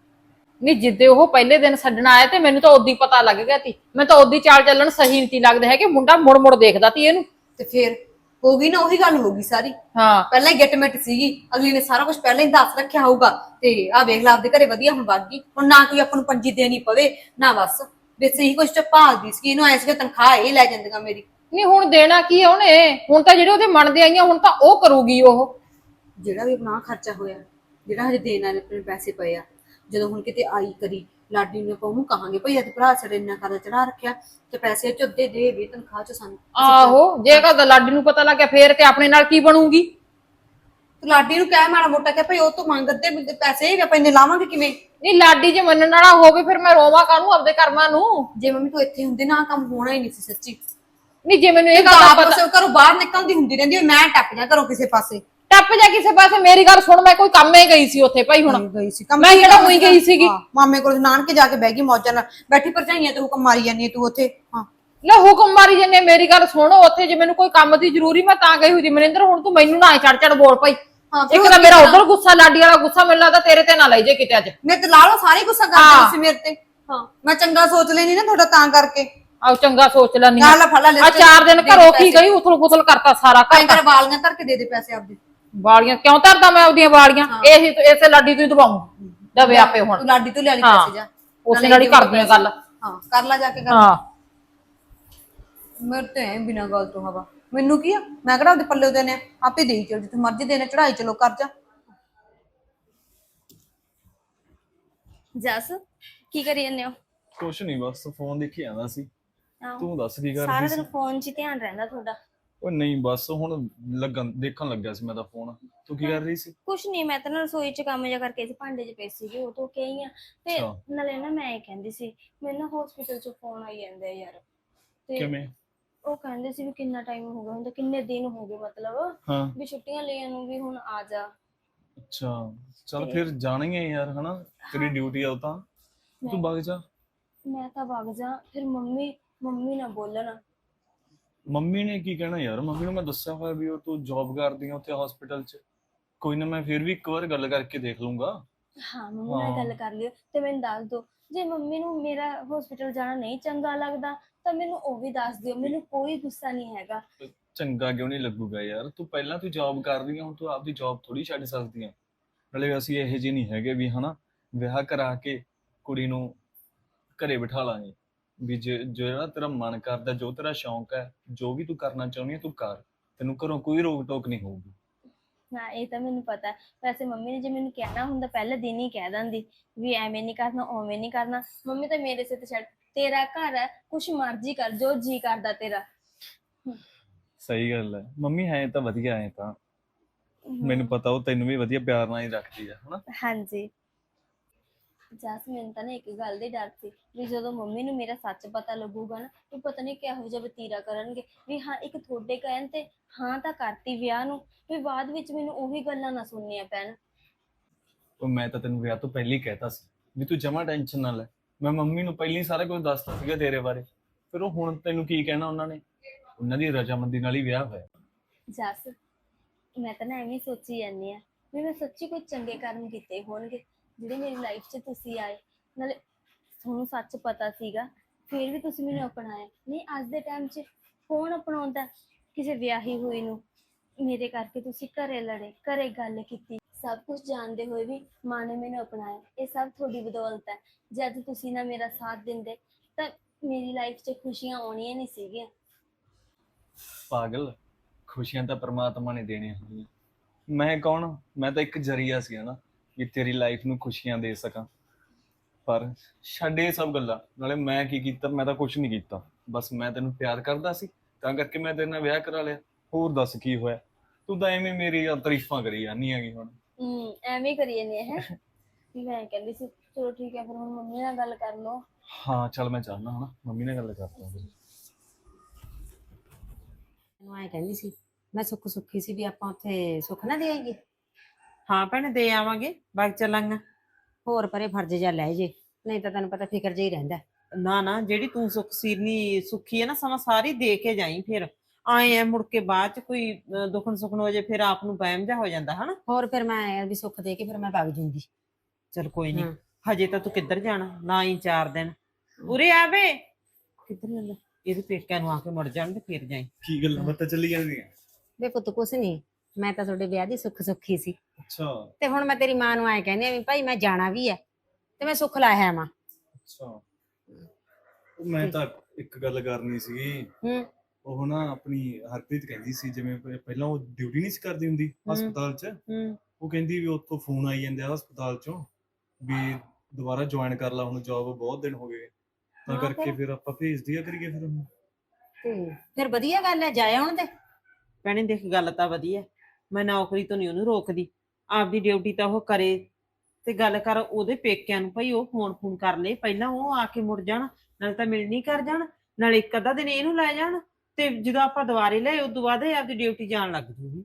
C: ਨਹੀਂ ਜਿੱਦੇ ਉਹ ਪਹਿਲੇ ਦਿਨ ਛੱਡਣ ਆਇਆ ਤੇ ਮੈਨੂੰ ਤਾਂ ਉਦੋਂ ਪਤਾ ਲੱਗ ਗਿਆ ਸੀ। ਮੈਂ ਤਾਂ ਉਦੋਂ ਚਾਲ ਚੱਲਣ ਸਹੀ ਨਹੀਂ ਲੱਗਦਾ ਹੈ ਕਿ ਮੁੰਡਾ ਮੁੜ ਮੁੜ ਦੇਖਦਾ ਸੀ ਇਹਨੂੰ।
D: ਤੇ ਫੇਰ ਹੋ ਗਈ ਨਾ ਉਹੀ ਗੱਲ ਹੋ ਗਈ ਸਾਰੀ।
C: ਹਾਂ
D: ਪਹਿਲਾਂ ਹੀ ਗਿੱਟਮਿੱਟ ਸੀਗੀ, ਅਗਲੀ ਨੇ ਸਾਰਾ ਕੁਝ ਪਹਿਲਾਂ ਹੀ ਦੱਸ ਰੱਖਿਆ ਹੋਊਗਾ। ਤੇ ਆਹ ਵੇਖ ਲਾ ਆਪਦੇ ਘਰੇ ਵਧੀਆ ਹੁਣ ਵਗ ਗਈ। ਹੁਣ ਨਾ ਕੋਈ ਆਪਾਂ ਨੂੰ ਪੰਜੀ ਦੇਣੀ ਪਵੇ ਨਾ ਬਸ ਵਿੱਚ ਹੀ ਕੁਝ ਭਾਲਦੀ ਸੀ। ਇਹਨੂੰ ਐ ਸੀਗਾ ਤਨਖਾਹ ਇਹ ਲੈ ਜਾਂਦੀਆਂ ਮੇਰੀ।
C: ਨਹੀਂ ਹੁਣ ਦੇਣਾ ਕੀ ਆ ਉਹਨੇ? ਹੁਣ ਤਾਂ ਜਿਹੜੇ ਉਹਦੇ ਮਨ ਦੇ ਆਈਆਂ ਹੁਣ ਤਾਂ ਉਹ ਕਰੂਗੀ। ਉਹ
D: ਜਿਹੜਾ ਵੀ ਆਪਣਾ ਖਰਚਾ ਹੋਇਆ, ਜਿਹੜਾ ਹਜੇ ਦੇਣ ਵਾਲੇ ਆਪਣੇ ਪੈਸੇ ਪਏ ਆ, ਜਦੋਂ ਹੁਣ ਕਿਤੇ ਆਈ ਕਰੀ ਲਾਡੀ ਨੂੰ ਆਪਾਂ ਉਹਨੂੰ ਕਹਾਂਗੇ ਭਾਈ ਅੱਜ ਭਰਾ ਸਾਡੇ ਇੰਨਾ ਕਰਦਾ ਚੜਾ ਰੱਖਿਆ ਤੇ ਪੈਸੇ ਚੁੱਦੇ ਦੇ ਵੀ ਤਨਖਾਹ ਚ ਸਾਨੂੰ।
C: ਆਹੋ ਜੇ ਕਹਦਾ ਲਾਡੀ ਨੂੰ ਪਤਾ ਲੱਗ ਗਿਆ ਫੇਰ ਤੇ ਆਪਣੇ ਨਾਲ ਕੀ ਬਣੂਗੀ?
D: ਲਾਡੀ ਨੂੰ ਕਹਿ ਮਾੜਾ ਮੋਟਾ ਕਿ ਭਾਈ ਉਹ ਤੋਂ ਮੰਗ ਅੱਧੇ ਪੈਸੇ, ਆਪਾਂ ਇੰਨੇ ਲਾਵਾਂਗੇ ਕਿਵੇਂ?
C: ਨਹੀਂ ਲਾਡੀ ਜੇ ਮੰਨਣ ਵਾਲਾ ਹੋਵੇ ਫਿਰ ਮੈਂ ਰੋਵਾਂ ਕਾਹਨੂੰ ਆਪਦੇ ਕਰਮਾਂ ਨੂੰ?
D: ਜੇ ਮੰਮੀ ਤੂੰ ਇੱਥੇ ਹੁੰਦੀ ਨਾ ਕੰਮ ਹੋਣਾ ਹੀ ਨਹੀਂ ਸੀ ਸੱਚੀ।
C: ਨਹੀਂ ਜੇ ਮੈਨੂੰ ਇਹ ਗੱਲ ਦਾ ਪਤਾ,
D: ਘਰੋਂ ਬਾਹਰ ਨਿਕਲਦੀ ਹੁੰਦੀ ਰਹਿੰਦੀ ਮੈਂ ਟੱਪ ਜਾ ਘਰੋਂ ਕਿਸੇ ਪਾਸੇ।
C: ਟੱਪ ਜਾ ਕਿਸੇ ਪਾਸੇ? ਮੇਰੀ ਗੱਲ ਸੁਣ, ਮੈਂ ਕੋਈ ਕੰਮੇ ਗਈ ਸੀ ਉੱਥੇ ਭਾਈ। ਹੁਣ
D: ਗਈ ਸੀ
C: ਮੈਂ ਕਿਹੜਾ ਉਹੀ ਗਈ ਸੀਗੀ?
D: ਮਾਮੇ ਕੋਲ ਨਾਨਕੇ ਜਾ ਕੇ ਬਹਿ ਗਈ ਮੌਜਾਂ ਨਾਲ ਬੈਠੀ। ਭਰਜਾਈਆਂ ਤੇ ਹੁਕਮ ਮਾਰੀ ਜਾਂਦੀ ਤੂੰ ਉੱਥੇ। ਹਾਂ
C: ਲੈ ਹੁਕਮ ਮਾਰੀ ਜੰਨੇ। ਮੇਰੀ ਗੱਲ ਸੁਣ, ਉੱਥੇ ਜੇ ਮੈਨੂੰ ਕੋਈ ਕੰਮ ਦੀ ਜ਼ਰੂਰੀ ਮੈਂ ਤਾਂ ਗਈ ਹੋਈ। ਮਨਿੰਦਰ ਹੁਣ ਤੂੰ ਮੈਨੂੰ ਨਾ ਚੜ ਚੜ ਬੋਲ ਭਾਈ। ਇੱਕ ਤਾਂ ਮੇਰਾ ਉਧਰ ਗੁੱਸਾ, ਲਾਡੀ ਵਾਲਾ ਗੁੱਸਾ ਮੈਨੂੰ ਲੱਗਦਾ ਤੇਰੇ ਤੇ ਨਾ ਲੈ ਜੇ ਕਿਤੇ ਅੱਜ।
D: ਮੇਰੇ ਤੇ ਲਾ ਲਓ ਸਾਰੇ ਗੁੱਸਾ ਕਰਦੇ ਸੀ ਮੇਰੇ ਤੇ। ਹਾਂ ਮੈਂ ਚੰਗਾ ਸੋਚ ਲੈਣੀ ਨਾ ਤੁਹਾਡਾ ਤਾਂ ਕਰਕੇ।
C: ਆਹ ਚੰਗਾ ਸੋਚ ਲੈਣੀ
D: ਆ ਲੈ ਫੜ ਲੈ
C: ਆ। ਚਾਰ ਦਿਨ ਘਰੋਂ ਕੀ ਗਈ, ਉਥਲ ਪੁਥਲ ਕਰਤਾ ਸਾਰਾ ਘਰ।
D: ਤੇਰੇ ਵਾਲੀਆਂ ਧਰ ਕੇ ਦੇ ਦੇ ਪੈਸੇ ਆਪਦੇ।
C: ਵਾਲੀਆਂ ਕਿਉਂ ਧਰਦਾ ਮੈਂ ਉਹਦੀਆਂ ਵਾਲੀਆਂ? ਇਹ ਇਸੇ ਲਾਡੀ ਤੋਂ ਹੀ ਦਵਾਉਂ ਦਵੇ ਆਪੇ। ਹੁਣ
D: ਤੂੰ ਲਾਡੀ ਤੋਂ ਲੈ ਲਈ ਪੈਸੇ ਜਾ,
C: ਉਸੇ ਨਾਲ ਹੀ ਕਰਦੀਆਂ ਗੱਲ।
D: ਹਾਂ ਕਰ ਲੈ ਜਾ ਕੇ ਗੱਲ।
C: ਹਾਂ
D: ਮੇਰੇ ਤੇ ਬਿਨਾਂ ਗੱਲ ਤੋਂ ਹਵਾ ਮੈਨੂੰ ਕੀ ਆ? ਮੈਂ ਕਿਹੜਾ ਉਹਦੇ ਪੱਲੇ ਉਹਦੇ ਨੇ ਆਪੇ ਦੇਈ ਚਲ, ਜਿੱਥੇ ਮਰਜ਼ੀ ਦੇਣੇ ਚੜਾਈ ਚਲੋ ਕਰ ਜਾ।
B: ਜਸ ਕੀ ਕਰੀ ਜਾਂਦੇ ਹੋ?
A: ਕੁਛ ਨਹੀਂ, ਬਸ ਫੋਨ ਦੇਖੀ ਜਾਂਦਾ ਸੀ।
B: ਆਹੋ,
A: ਤੂੰ ਦੱਸ ਕੀ
B: ਸਾਰਾ
A: ਕਰਦੀ
B: ਦਿਨ
A: ਸੀ?
B: ਫੋਨ 'ਚ ਹੀ ਧਿਆਨ ਰਹਿੰਦਾ ਤੁਹਾਡਾ।
A: ਉਹ ਨਹੀਂ, ਬਸ ਹੁਣ ਲੱਗਣ ਦੇਖਣ ਲੱਗਿਆ ਸੀ ਮੈਂ ਤਾਂ ਫੋਨ। ਤੂੰ ਕੀ ਕਰ ਰਹੀ ਸੀ?
B: ਕੁਛ ਨਹੀਂ, ਮੈਂ ਤਾਂ ਨਾ ਰਸੋਈ 'ਚ ਕੰਮ ਜਿਹਾ ਕਰਕੇ ਸੀ, ਭਾਂਡੇ 'ਚ ਪਏ ਸੀਗੇ ਉਹ ਧੋ ਕੇ ਆਈ ਆ। ਤੇ
A: ਅੱਛਾ।
B: ਨਾਲੇ ਨਾ ਮੈਂ ਇਹ ਕਹਿੰਦੀ ਸੀ, ਮੈਨੂੰ ਨਾ ਹਸਪੀਟਲ 'ਚੋਂ ਫੋਨ ਆਈ ਜਾਂਦਾ ਯਾਰ। ਤੇ
A: ਕਿਵੇਂ?
B: ਉਹ ਕਹਿੰਦੇ ਸੀ ਵੀ ਕਿੰਨਾ ਟਾਈਮ ਹੋ ਗਿਆ ਹੁੰਦਾ, ਕਿੰਨੇ ਦਿਨ ਹੋ ਗਏ ਮਤਲਬ
A: ਹਾਂ
B: ਵੀ ਛੁੱਟੀਆਂ ਲੈਣ ਨੂੰ ਵੀ ਹੁਣ ਆ ਜਾ।
A: ਅੱਛਾ ਚੱਲ ਫਿਰ ਜਾਣਾ ਹੀ ਹੈ ਯਾਰ, ਹਨਾ ਤੇਰੀ ਡਿਊਟੀ ਆ ਉਹ ਤਾਂ। ਤੂੰ ਵਗ ਜਾ।
B: ਮੈਂ ਤਾਂ ਵਗ ਜਾ, ਫਿਰ ਮੰਮੀ ਮੰਮੀ ਨਾ ਬੋਲਣ।
A: ਮੰਮੀ ਨੇ ਕੀ ਕਹਿਣਾ ਯਾਰ? ਮੰਮੀ ਨੂੰ ਮੈਂ ਦੱਸਿਆ ਹੋਇਆ ਵੀ ਉਹ ਤੂੰ ਜੌਬ ਕਰਦੀ ਆ ਉੱਥੇ ਹਸਪੀਟਲ 'ਚ। ਕੋਈ ਨਾ, ਮੈਂ ਫਿਰ ਵੀ ਇੱਕ ਵਾਰ ਗੱਲ ਕਰਕੇ ਦੇਖ ਲੂੰਗਾ।
B: ਹਾਂ, ਮੰਮੀ ਨਾਲ ਗੱਲ ਕਰ ਲਿਓ ਤੇ ਮੈਨੂੰ ਦੱਸ ਦਿਓ। ਜੇ ਮੰਮੀ ਨੂੰ ਮੇਰਾ ਹਸਪੀਟਲ ਜਾਣਾ ਨਹੀਂ ਚੰਗਾ ਲੱਗਦਾ ਤਾਂ ਮੈਨੂੰ ਉਹ ਵੀ ਦੱਸ ਦਿਓ, ਮੈਨੂੰ ਕੋਈ ਗੁੱਸਾ ਨਹੀਂ ਹੈਗਾ।
A: ਚੰਗਾ ਕਿਉਂ ਨਹੀਂ ਲੱਗੂਗਾ ਯਾਰ? ਤੂੰ ਪਹਿਲਾਂ ਤੂੰ ਜੌਬ ਕਰ ਰਹੀ ਆ, ਹੁਣ ਤੂੰ ਆਪਦੀ ਜੌਬ ਥੋੜੀ ਛੱਡ ਸਕਦੀ ਆ। ਨਾਲੇ ਅਸੀਂ ਇਹੋ ਜਿਹੇ ਨਹੀਂ ਹੈਗੇ ਵੀ ਹਨਾ ਵਿਆਹ ਕਰਾ ਕੇ ਕੁੜੀ ਨੂੰ ਘਰੇ ਬਿਠਾ ਲਾਂਗੇ। ਵੀ ਜੇ ਜਿਹੜਾ ਤੇਰਾ ਮਨ ਕਰਦਾ, ਜੋ ਤੇਰਾ ਸ਼ੌਂਕ ਹੈ, ਜੋ ਵੀ ਤੂੰ ਕਰਨਾ ਚਾਹੁੰਦੀ ਹੈ ਤੂੰ ਕਰ। ਤੈਨੂੰ ਘਰੋਂ ਕੋਈ ਰੋਕ ਟੋਕ ਨਹੀਂ ਹੋਊਗੀ।
B: ਨਾ, ਇਹ ਤਾਂ ਮੈਨੂੰ ਪਤਾ ਹੈ। ਵੈਸੇ ਮੰਮੀ ਨੇ ਜੇ ਮੈਨੂੰ ਕਹਿਣਾ ਹੁੰਦਾ ਪਹਿਲੇ ਦਿਨ ਹੀ ਕਹਿ ਦਿੰਦੀ ਵੀ ਐਵੇਂ ਨਹੀਂ ਕਰਨਾ, ਉਵੇਂ ਨਹੀਂ ਕਰਨਾ। ਮੰਮੀ ਤਾਂ ਮੇਰੇ ਸਿਰ ਤੇ ਛੱਡ, ਤੇਰਾ ਘਰ ਹੈ, ਕੁਛ ਮਰਜ਼ੀ ਕਰ, ਜੋ ਜੀ ਕਰਦਾ ਤੇਰਾ।
A: ਸਹੀ ਗੱਲ ਹੈ, ਮੰਮੀ ਹੈ ਤਾਂ ਵਧੀਆ ਹੈ। ਤਾਂ ਮੈਨੂੰ ਪਤਾ ਉਹ ਤੈਨੂੰ ਵੀ ਵਧੀਆ ਪਿਆਰ ਨਾਲ ਹੀ ਰੱਖਦੀ ਆ ਹਨਾ।
B: ਹਾਂਜੀ। ਜਸ, ਮੈਨੂੰ ਤਾਂ ਨਾ ਇੱਕ ਗੱਲ ਦੀ ਡਰ ਸੀ ਵੀ ਜਦੋਂ ਮੰਮੀ ਨੂੰ ਮੇਰਾ ਸੱਚ ਪਤਾ ਲੱਗੂਗਾ ਨਾ, ਵੀ ਪਤਾ ਨਹੀਂ ਕਿਹੋ ਜਿਹਾ ਵਤੀਰਾ ਕਰਨਗੇ। ਵੀ ਹਾਂ, ਇੱਕ ਤੁਹਾਡੇ ਕਹਿਣ ਤੇ ਹਾਂ ਤਾਂ ਕਰਤੀ ਵਿਆਹ ਨੂੰ, ਵੀ ਬਾਅਦ ਵਿੱਚ ਮੈਨੂੰ ਉਹੀ ਗੱਲਾਂ ਨਾ ਸੁਣਨੀਆਂ ਪੈਣ।
A: ਉਹ ਮੈਂ ਤਾਂ ਤੈਨੂੰ ਵਿਆਹ ਤੋਂ ਪਹਿਲਾਂ ਹੀ ਕਹਿਤਾ ਸੀ ਵੀ ਤੂੰ ਜਮਾ ਟੈਨਸ਼ਨ ਨਾ ਲੈ। ਮੈਂ ਮੰਮੀ ਨੂੰ ਪਹਿਲਾਂ ਹੀ ਸਾਰਾ ਕੁਝ ਦੱਸਤਾ ਸੀਗਾ ਤੇਰੇ ਬਾਰੇ। ਫਿਰ ਉਹ ਹੁਣ ਤੈਨੂੰ ਕੀ ਕਹਿਣਾ? ਉਹਨਾਂ ਨੇ ਉਹਨਾਂ ਦੀ ਰਜਾਮੰਦੀ ਨਾਲ ਹੀ ਵਿਆਹ ਹੋਇਆ।
B: ਜਸ, ਮੈਂ ਤਾਂ ਨਾ ਐਵੇਂ ਸੋਚੀ ਜਾਂਦੀ ਆ ਵੀ ਮੈਂ ਸੱਚੀ ਕੋਈ ਚੰਗੇ ਕਰਮ ਕੀਤੇ ਹੋਣਗੇ ਜਿਹੜੇ ਮੇਰੀ ਲਾਈਫ 'ਚ ਤੁਸੀਂ ਆਏ। ਨਾਲੇ ਤੁਹਾਨੂੰ ਸੱਚ ਪਤਾ ਸੀਗਾ ਫਿਰ ਵੀ ਤੁਸੀਂ ਮੈਨੂੰ ਅਪਣਾਇਆ। ਨਹੀਂ, ਅੱਜ ਦੇ ਟਾਈਮ 'ਚ ਕੌਣ ਅਪਣਾਉਂਦਾ ਕਿਸੇ ਵਿਆਹੀ ਹੋਈ ਨੂੰ? ਮੇਰੇ ਕਰਕੇ ਤੁਸੀਂ ਘਰੇ ਲੜੇ, ਘਰੇ ਗੱਲ ਕੀਤੀ, ਸਭ ਕੁਝ ਜਾਣਦੇ ਹੋਏ ਵੀ ਮਾਂ ਨੇ ਮੈਨੂੰ ਅਪਣਾਇਆ। ਇਹ ਸਭ ਤੁਹਾਡੀ ਬਦੌਲਤ ਹੈ। ਜੇ ਅੱਜ ਤੁਸੀਂ ਨਾ ਮੇਰਾ ਸਾਥ ਦਿੰਦੇ ਤਾਂ ਮੇਰੀ ਲਾਈਫ 'ਚ ਖੁਸ਼ੀਆਂ ਆਉਣੀਆਂ ਨਹੀਂ ਸੀਗੀਆਂ।
A: ਪਾਗਲ, ਖੁਸ਼ੀਆਂ ਤਾਂ ਪ੍ਰਮਾਤਮਾ ਨੇ ਦੇਣੀਆਂ ਹੁੰਦੀਆਂ। ਮੈਂ ਕੌਣ? ਮੈਂ ਤਾਂ ਇੱਕ ਜ਼ਰੀਆ ਸੀ ਨਾ ਵੀ ਤੇਰੀ ਲਾਈਫ ਨੂੰ ਖੁਸ਼ੀਆਂ ਦੇ ਸਕਾਂ। ਪਰ ਛੱਡ ਇਹ ਸਭ ਗੱਲਾਂ। ਨਾਲੇ ਮੈਂ ਕੀ ਕੀਤਾ? ਮੈਂ ਤਾਂ ਕੁਝ ਨਹੀਂ ਕੀਤਾ। ਬਸ ਮੈਂ ਤੈਨੂੰ ਪਿਆਰ ਕਰਦਾ ਸੀ ਤਾਂ ਕਰਕੇ ਮੈਂ ਤੇਰੇ ਨਾਲ ਵਿਆਹ ਕਰਾ ਲਿਆ। ਹੋਰ ਦੱਸ ਕੀ ਹੋਇਆ? ਤੂੰ ਤਾਂ ਐਵੇਂ ਮੇਰੀ ਤਾਰੀਫਾਂ ਕਰੀ ਜਾਂਦੀ ਹੈਗੀ ਹੁਣ।
B: ਹੂੰ, ਐਵੇਂ ਹੀ ਕਰੀ ਜਾਂਦੇ ਹੈ। ਮੈਂ ਕਹਿੰਦੀ ਸੀ ਚਲੋ ਠੀਕ ਹੈ, ਫਿਰ ਹੁਣ ਮੰਮੀ ਨਾਲ ਗੱਲ ਕਰ ਲਓ।
A: ਹਾਂ ਚੱਲ, ਮੈਂ ਚਾਹਨਾ ਹਨਾ ਮੰਮੀ ਨਾਲ ਗੱਲ ਕਰਦਾ।
D: ਮੈਨੂੰ ਐ ਕਹਿੰਦੀ ਸੀ, ਮੈਂ ਸੁੱਖ ਸੁੱਖੀ ਸੀ ਵੀ ਆਪਾਂ ਉੱਥੇ ਸੁੱਖ ਨਾ ਦੇ ਆਈਏ।
E: ਹਾਂ ਭੈਣੇ, ਦੇ ਆਵਾਂਗੇ, ਬਾਗ ਚੱਲਾਂਗਾ।
D: ਹੋਰ ਪਰੇ ਫਰਜ਼ ਜਿਹਾ ਲੈ ਜੇ, ਨਹੀਂ ਤਾਂ ਤੈਨੂੰ ਪਤਾ ਫਿਕਰ ਜਿਹਾ ਹੀ ਰਹਿੰਦਾ।
E: ਨਾ ਨਾ, ਜਿਹੜੀ ਤੂੰ ਸੁੱਖ ਸੀਰਨੀ ਸੁੱਖੀ ਹੈ ਨਾ, ਸਮਾਂ ਸਾਰੀ ਦੇ ਕੇ ਜਾਈ। ਫਿਰ ਆਏ ਆ ਮੁੜ ਕੇ ਬਾਅਦ ਚ ਕੋਈ ਅਹ, ਦੁਖਣ ਸੁਖਣ ਹੋ ਜੇ, ਫਿਰ ਆਪ ਨੂੰ ਵਹਿਮ ਜਾ ਹੋ ਜਾਂਦਾ ਹਨਾ।
D: ਹੋਰ ਫਿਰ ਮੈਂ ਐਂ ਵੀ ਸੁੱਖ ਦੇ ਕੇ ਫਿਰ ਮੈਂ ਵਗ ਜੂੰਗੀ।
E: ਚਲ ਕੋਈ ਨਹੀਂ,
D: ਹਾਂ।
E: ਹਜੇ ਤਾਂ ਤੂੰ ਕਿੱਧਰ ਜਾਣਾ? ਨਾ ਹੀ ਚਾਰ ਦਿਨ ਉਰੇ ਆਵੇ। ਕਿੱਧਰ ਜਾਂਦਾ? ਇਹਦੇ ਪੇਕਿਆਂ ਨੂੰ ਆ ਕੇ ਮੁੜ ਜਾਣ ਤੇ ਫਿਰ ਜਾਈ।
A: ਕੀ ਗੱਲਾਂ ਬਾਤਾਂ ਚੱਲੀ ਜਾਂਦੀਆਂ?
D: ਵੇ ਪੁੱਤ ਕੁਛ ਨਹੀਂ, ਮੈਂ ਤਾਂ ਤੁਹਾਡੇ ਵਿਆਹ ਦੀ ਸੁੱਖ ਸੁੱਖੀ ਸੀ
A: ਅੱਛਾ
D: ਤੇ ਹੁਣ ਮੈਂ ਤੇਰੀ ਮਾਂ ਨੂੰ ਐਂ ਕਹਿੰਦੀ ਆ ਵੀ ਭਾਈ ਮੈਂ ਜਾਣਾ ਵੀ ਹੈ ਤੇ ਮੈਂ ਸੁੱਖ ਲਾਇਆ ਮਾਂ।
A: ਅੱਛਾ, ਉਹ ਮੈਂ ਤਾਂ ਇੱਕ ਗੱਲ ਕਰਨੀ ਸੀ।
D: ਹੂੰ
A: ਉਹ ਨਾ ਆਪਣੀ ਹਰਪ੍ਰੀਤ ਕਹਿੰਦੀ ਸੀ, ਜਿਵੇਂ ਪ- ਪਹਿਲਾਂ ਉਹ ਡਿਊਟੀ ਨਹੀਂ ਸੀ ਕਰਦੀ ਹੁੰਦੀ ਹਸਪਤਾਲ 'ਚ।
E: ਹੂੰ
A: ਉਹ ਕਹਿੰਦੀ ਵੀ ਉੱਥੋਂ ਫੋਨ ਆਈ ਜਾਂਦੇ ਆ ਹਸਪਤਾਲ 'ਚੋਂ ਵੀ ਦੁਬਾਰਾ ਜੁਆਇਨ ਕਰ ਲਾ, ਹੁਣ ਜੌਬ ਬਹੁਤ ਦਿਨ ਹੋ ਗਏ। ਤਾਂ
D: ਹਾਂ,
A: ਕਰਕੇ
D: ਫਿਰ?
A: ਫਿਰ ਆਪਾਂ ਭੇਜ ਦਿਆ ਕਰੀਏ ਫਿਰ ਉਹਨੂੰ।
D: ਤੇ ਫਿਰ ਵਧੀਆ ਗੱਲ ਹੈ, ਜਾਇਆ ਹੁਣ ਤੇ।
E: ਭੈਣੇ ਦੇਖ, ਗੱਲ ਤਾਂ ਵਧੀਆ, ਮੈਂ ਨੌਕਰੀ ਤੋਂ ਨਹੀਂ ਉਹਨੂੰ ਰੋਕਦੀ। ਆਪਦੀ ਡਿਊਟੀ ਤਾਂ ਉਹ ਕਰੇ ਤੇ ਗੱਲ ਕਰ ਉਹਦੇ ਪੇਕਿਆਂ ਨੂੰ, ਭਾਈ ਉਹ ਫੋਨ ਫੋਨ ਕਰ ਲੇ ਪਹਿਲਾਂ, ਉਹ ਆ ਕੇ ਮੁੜ ਜਾਣ, ਨਾਲੇ ਤਾਂ ਮਿਲਣੀ ਕਰ ਜਾਣ, ਨਾਲੇ ਇੱਕ ਅੱਧਾ ਦਿਨ ਇਹਨੂੰ ਲੈ ਜਾਣ, ਤੇ ਜਦੋਂ ਆਪਾਂ ਦੁਬਾਰੇ ਲਏ ਉਦੋਂ ਬਾਅਦ ਇਹ ਆਪਦੀ ਡਿਊਟੀ ਜਾਣ ਲੱਗ ਜੂਗੀ।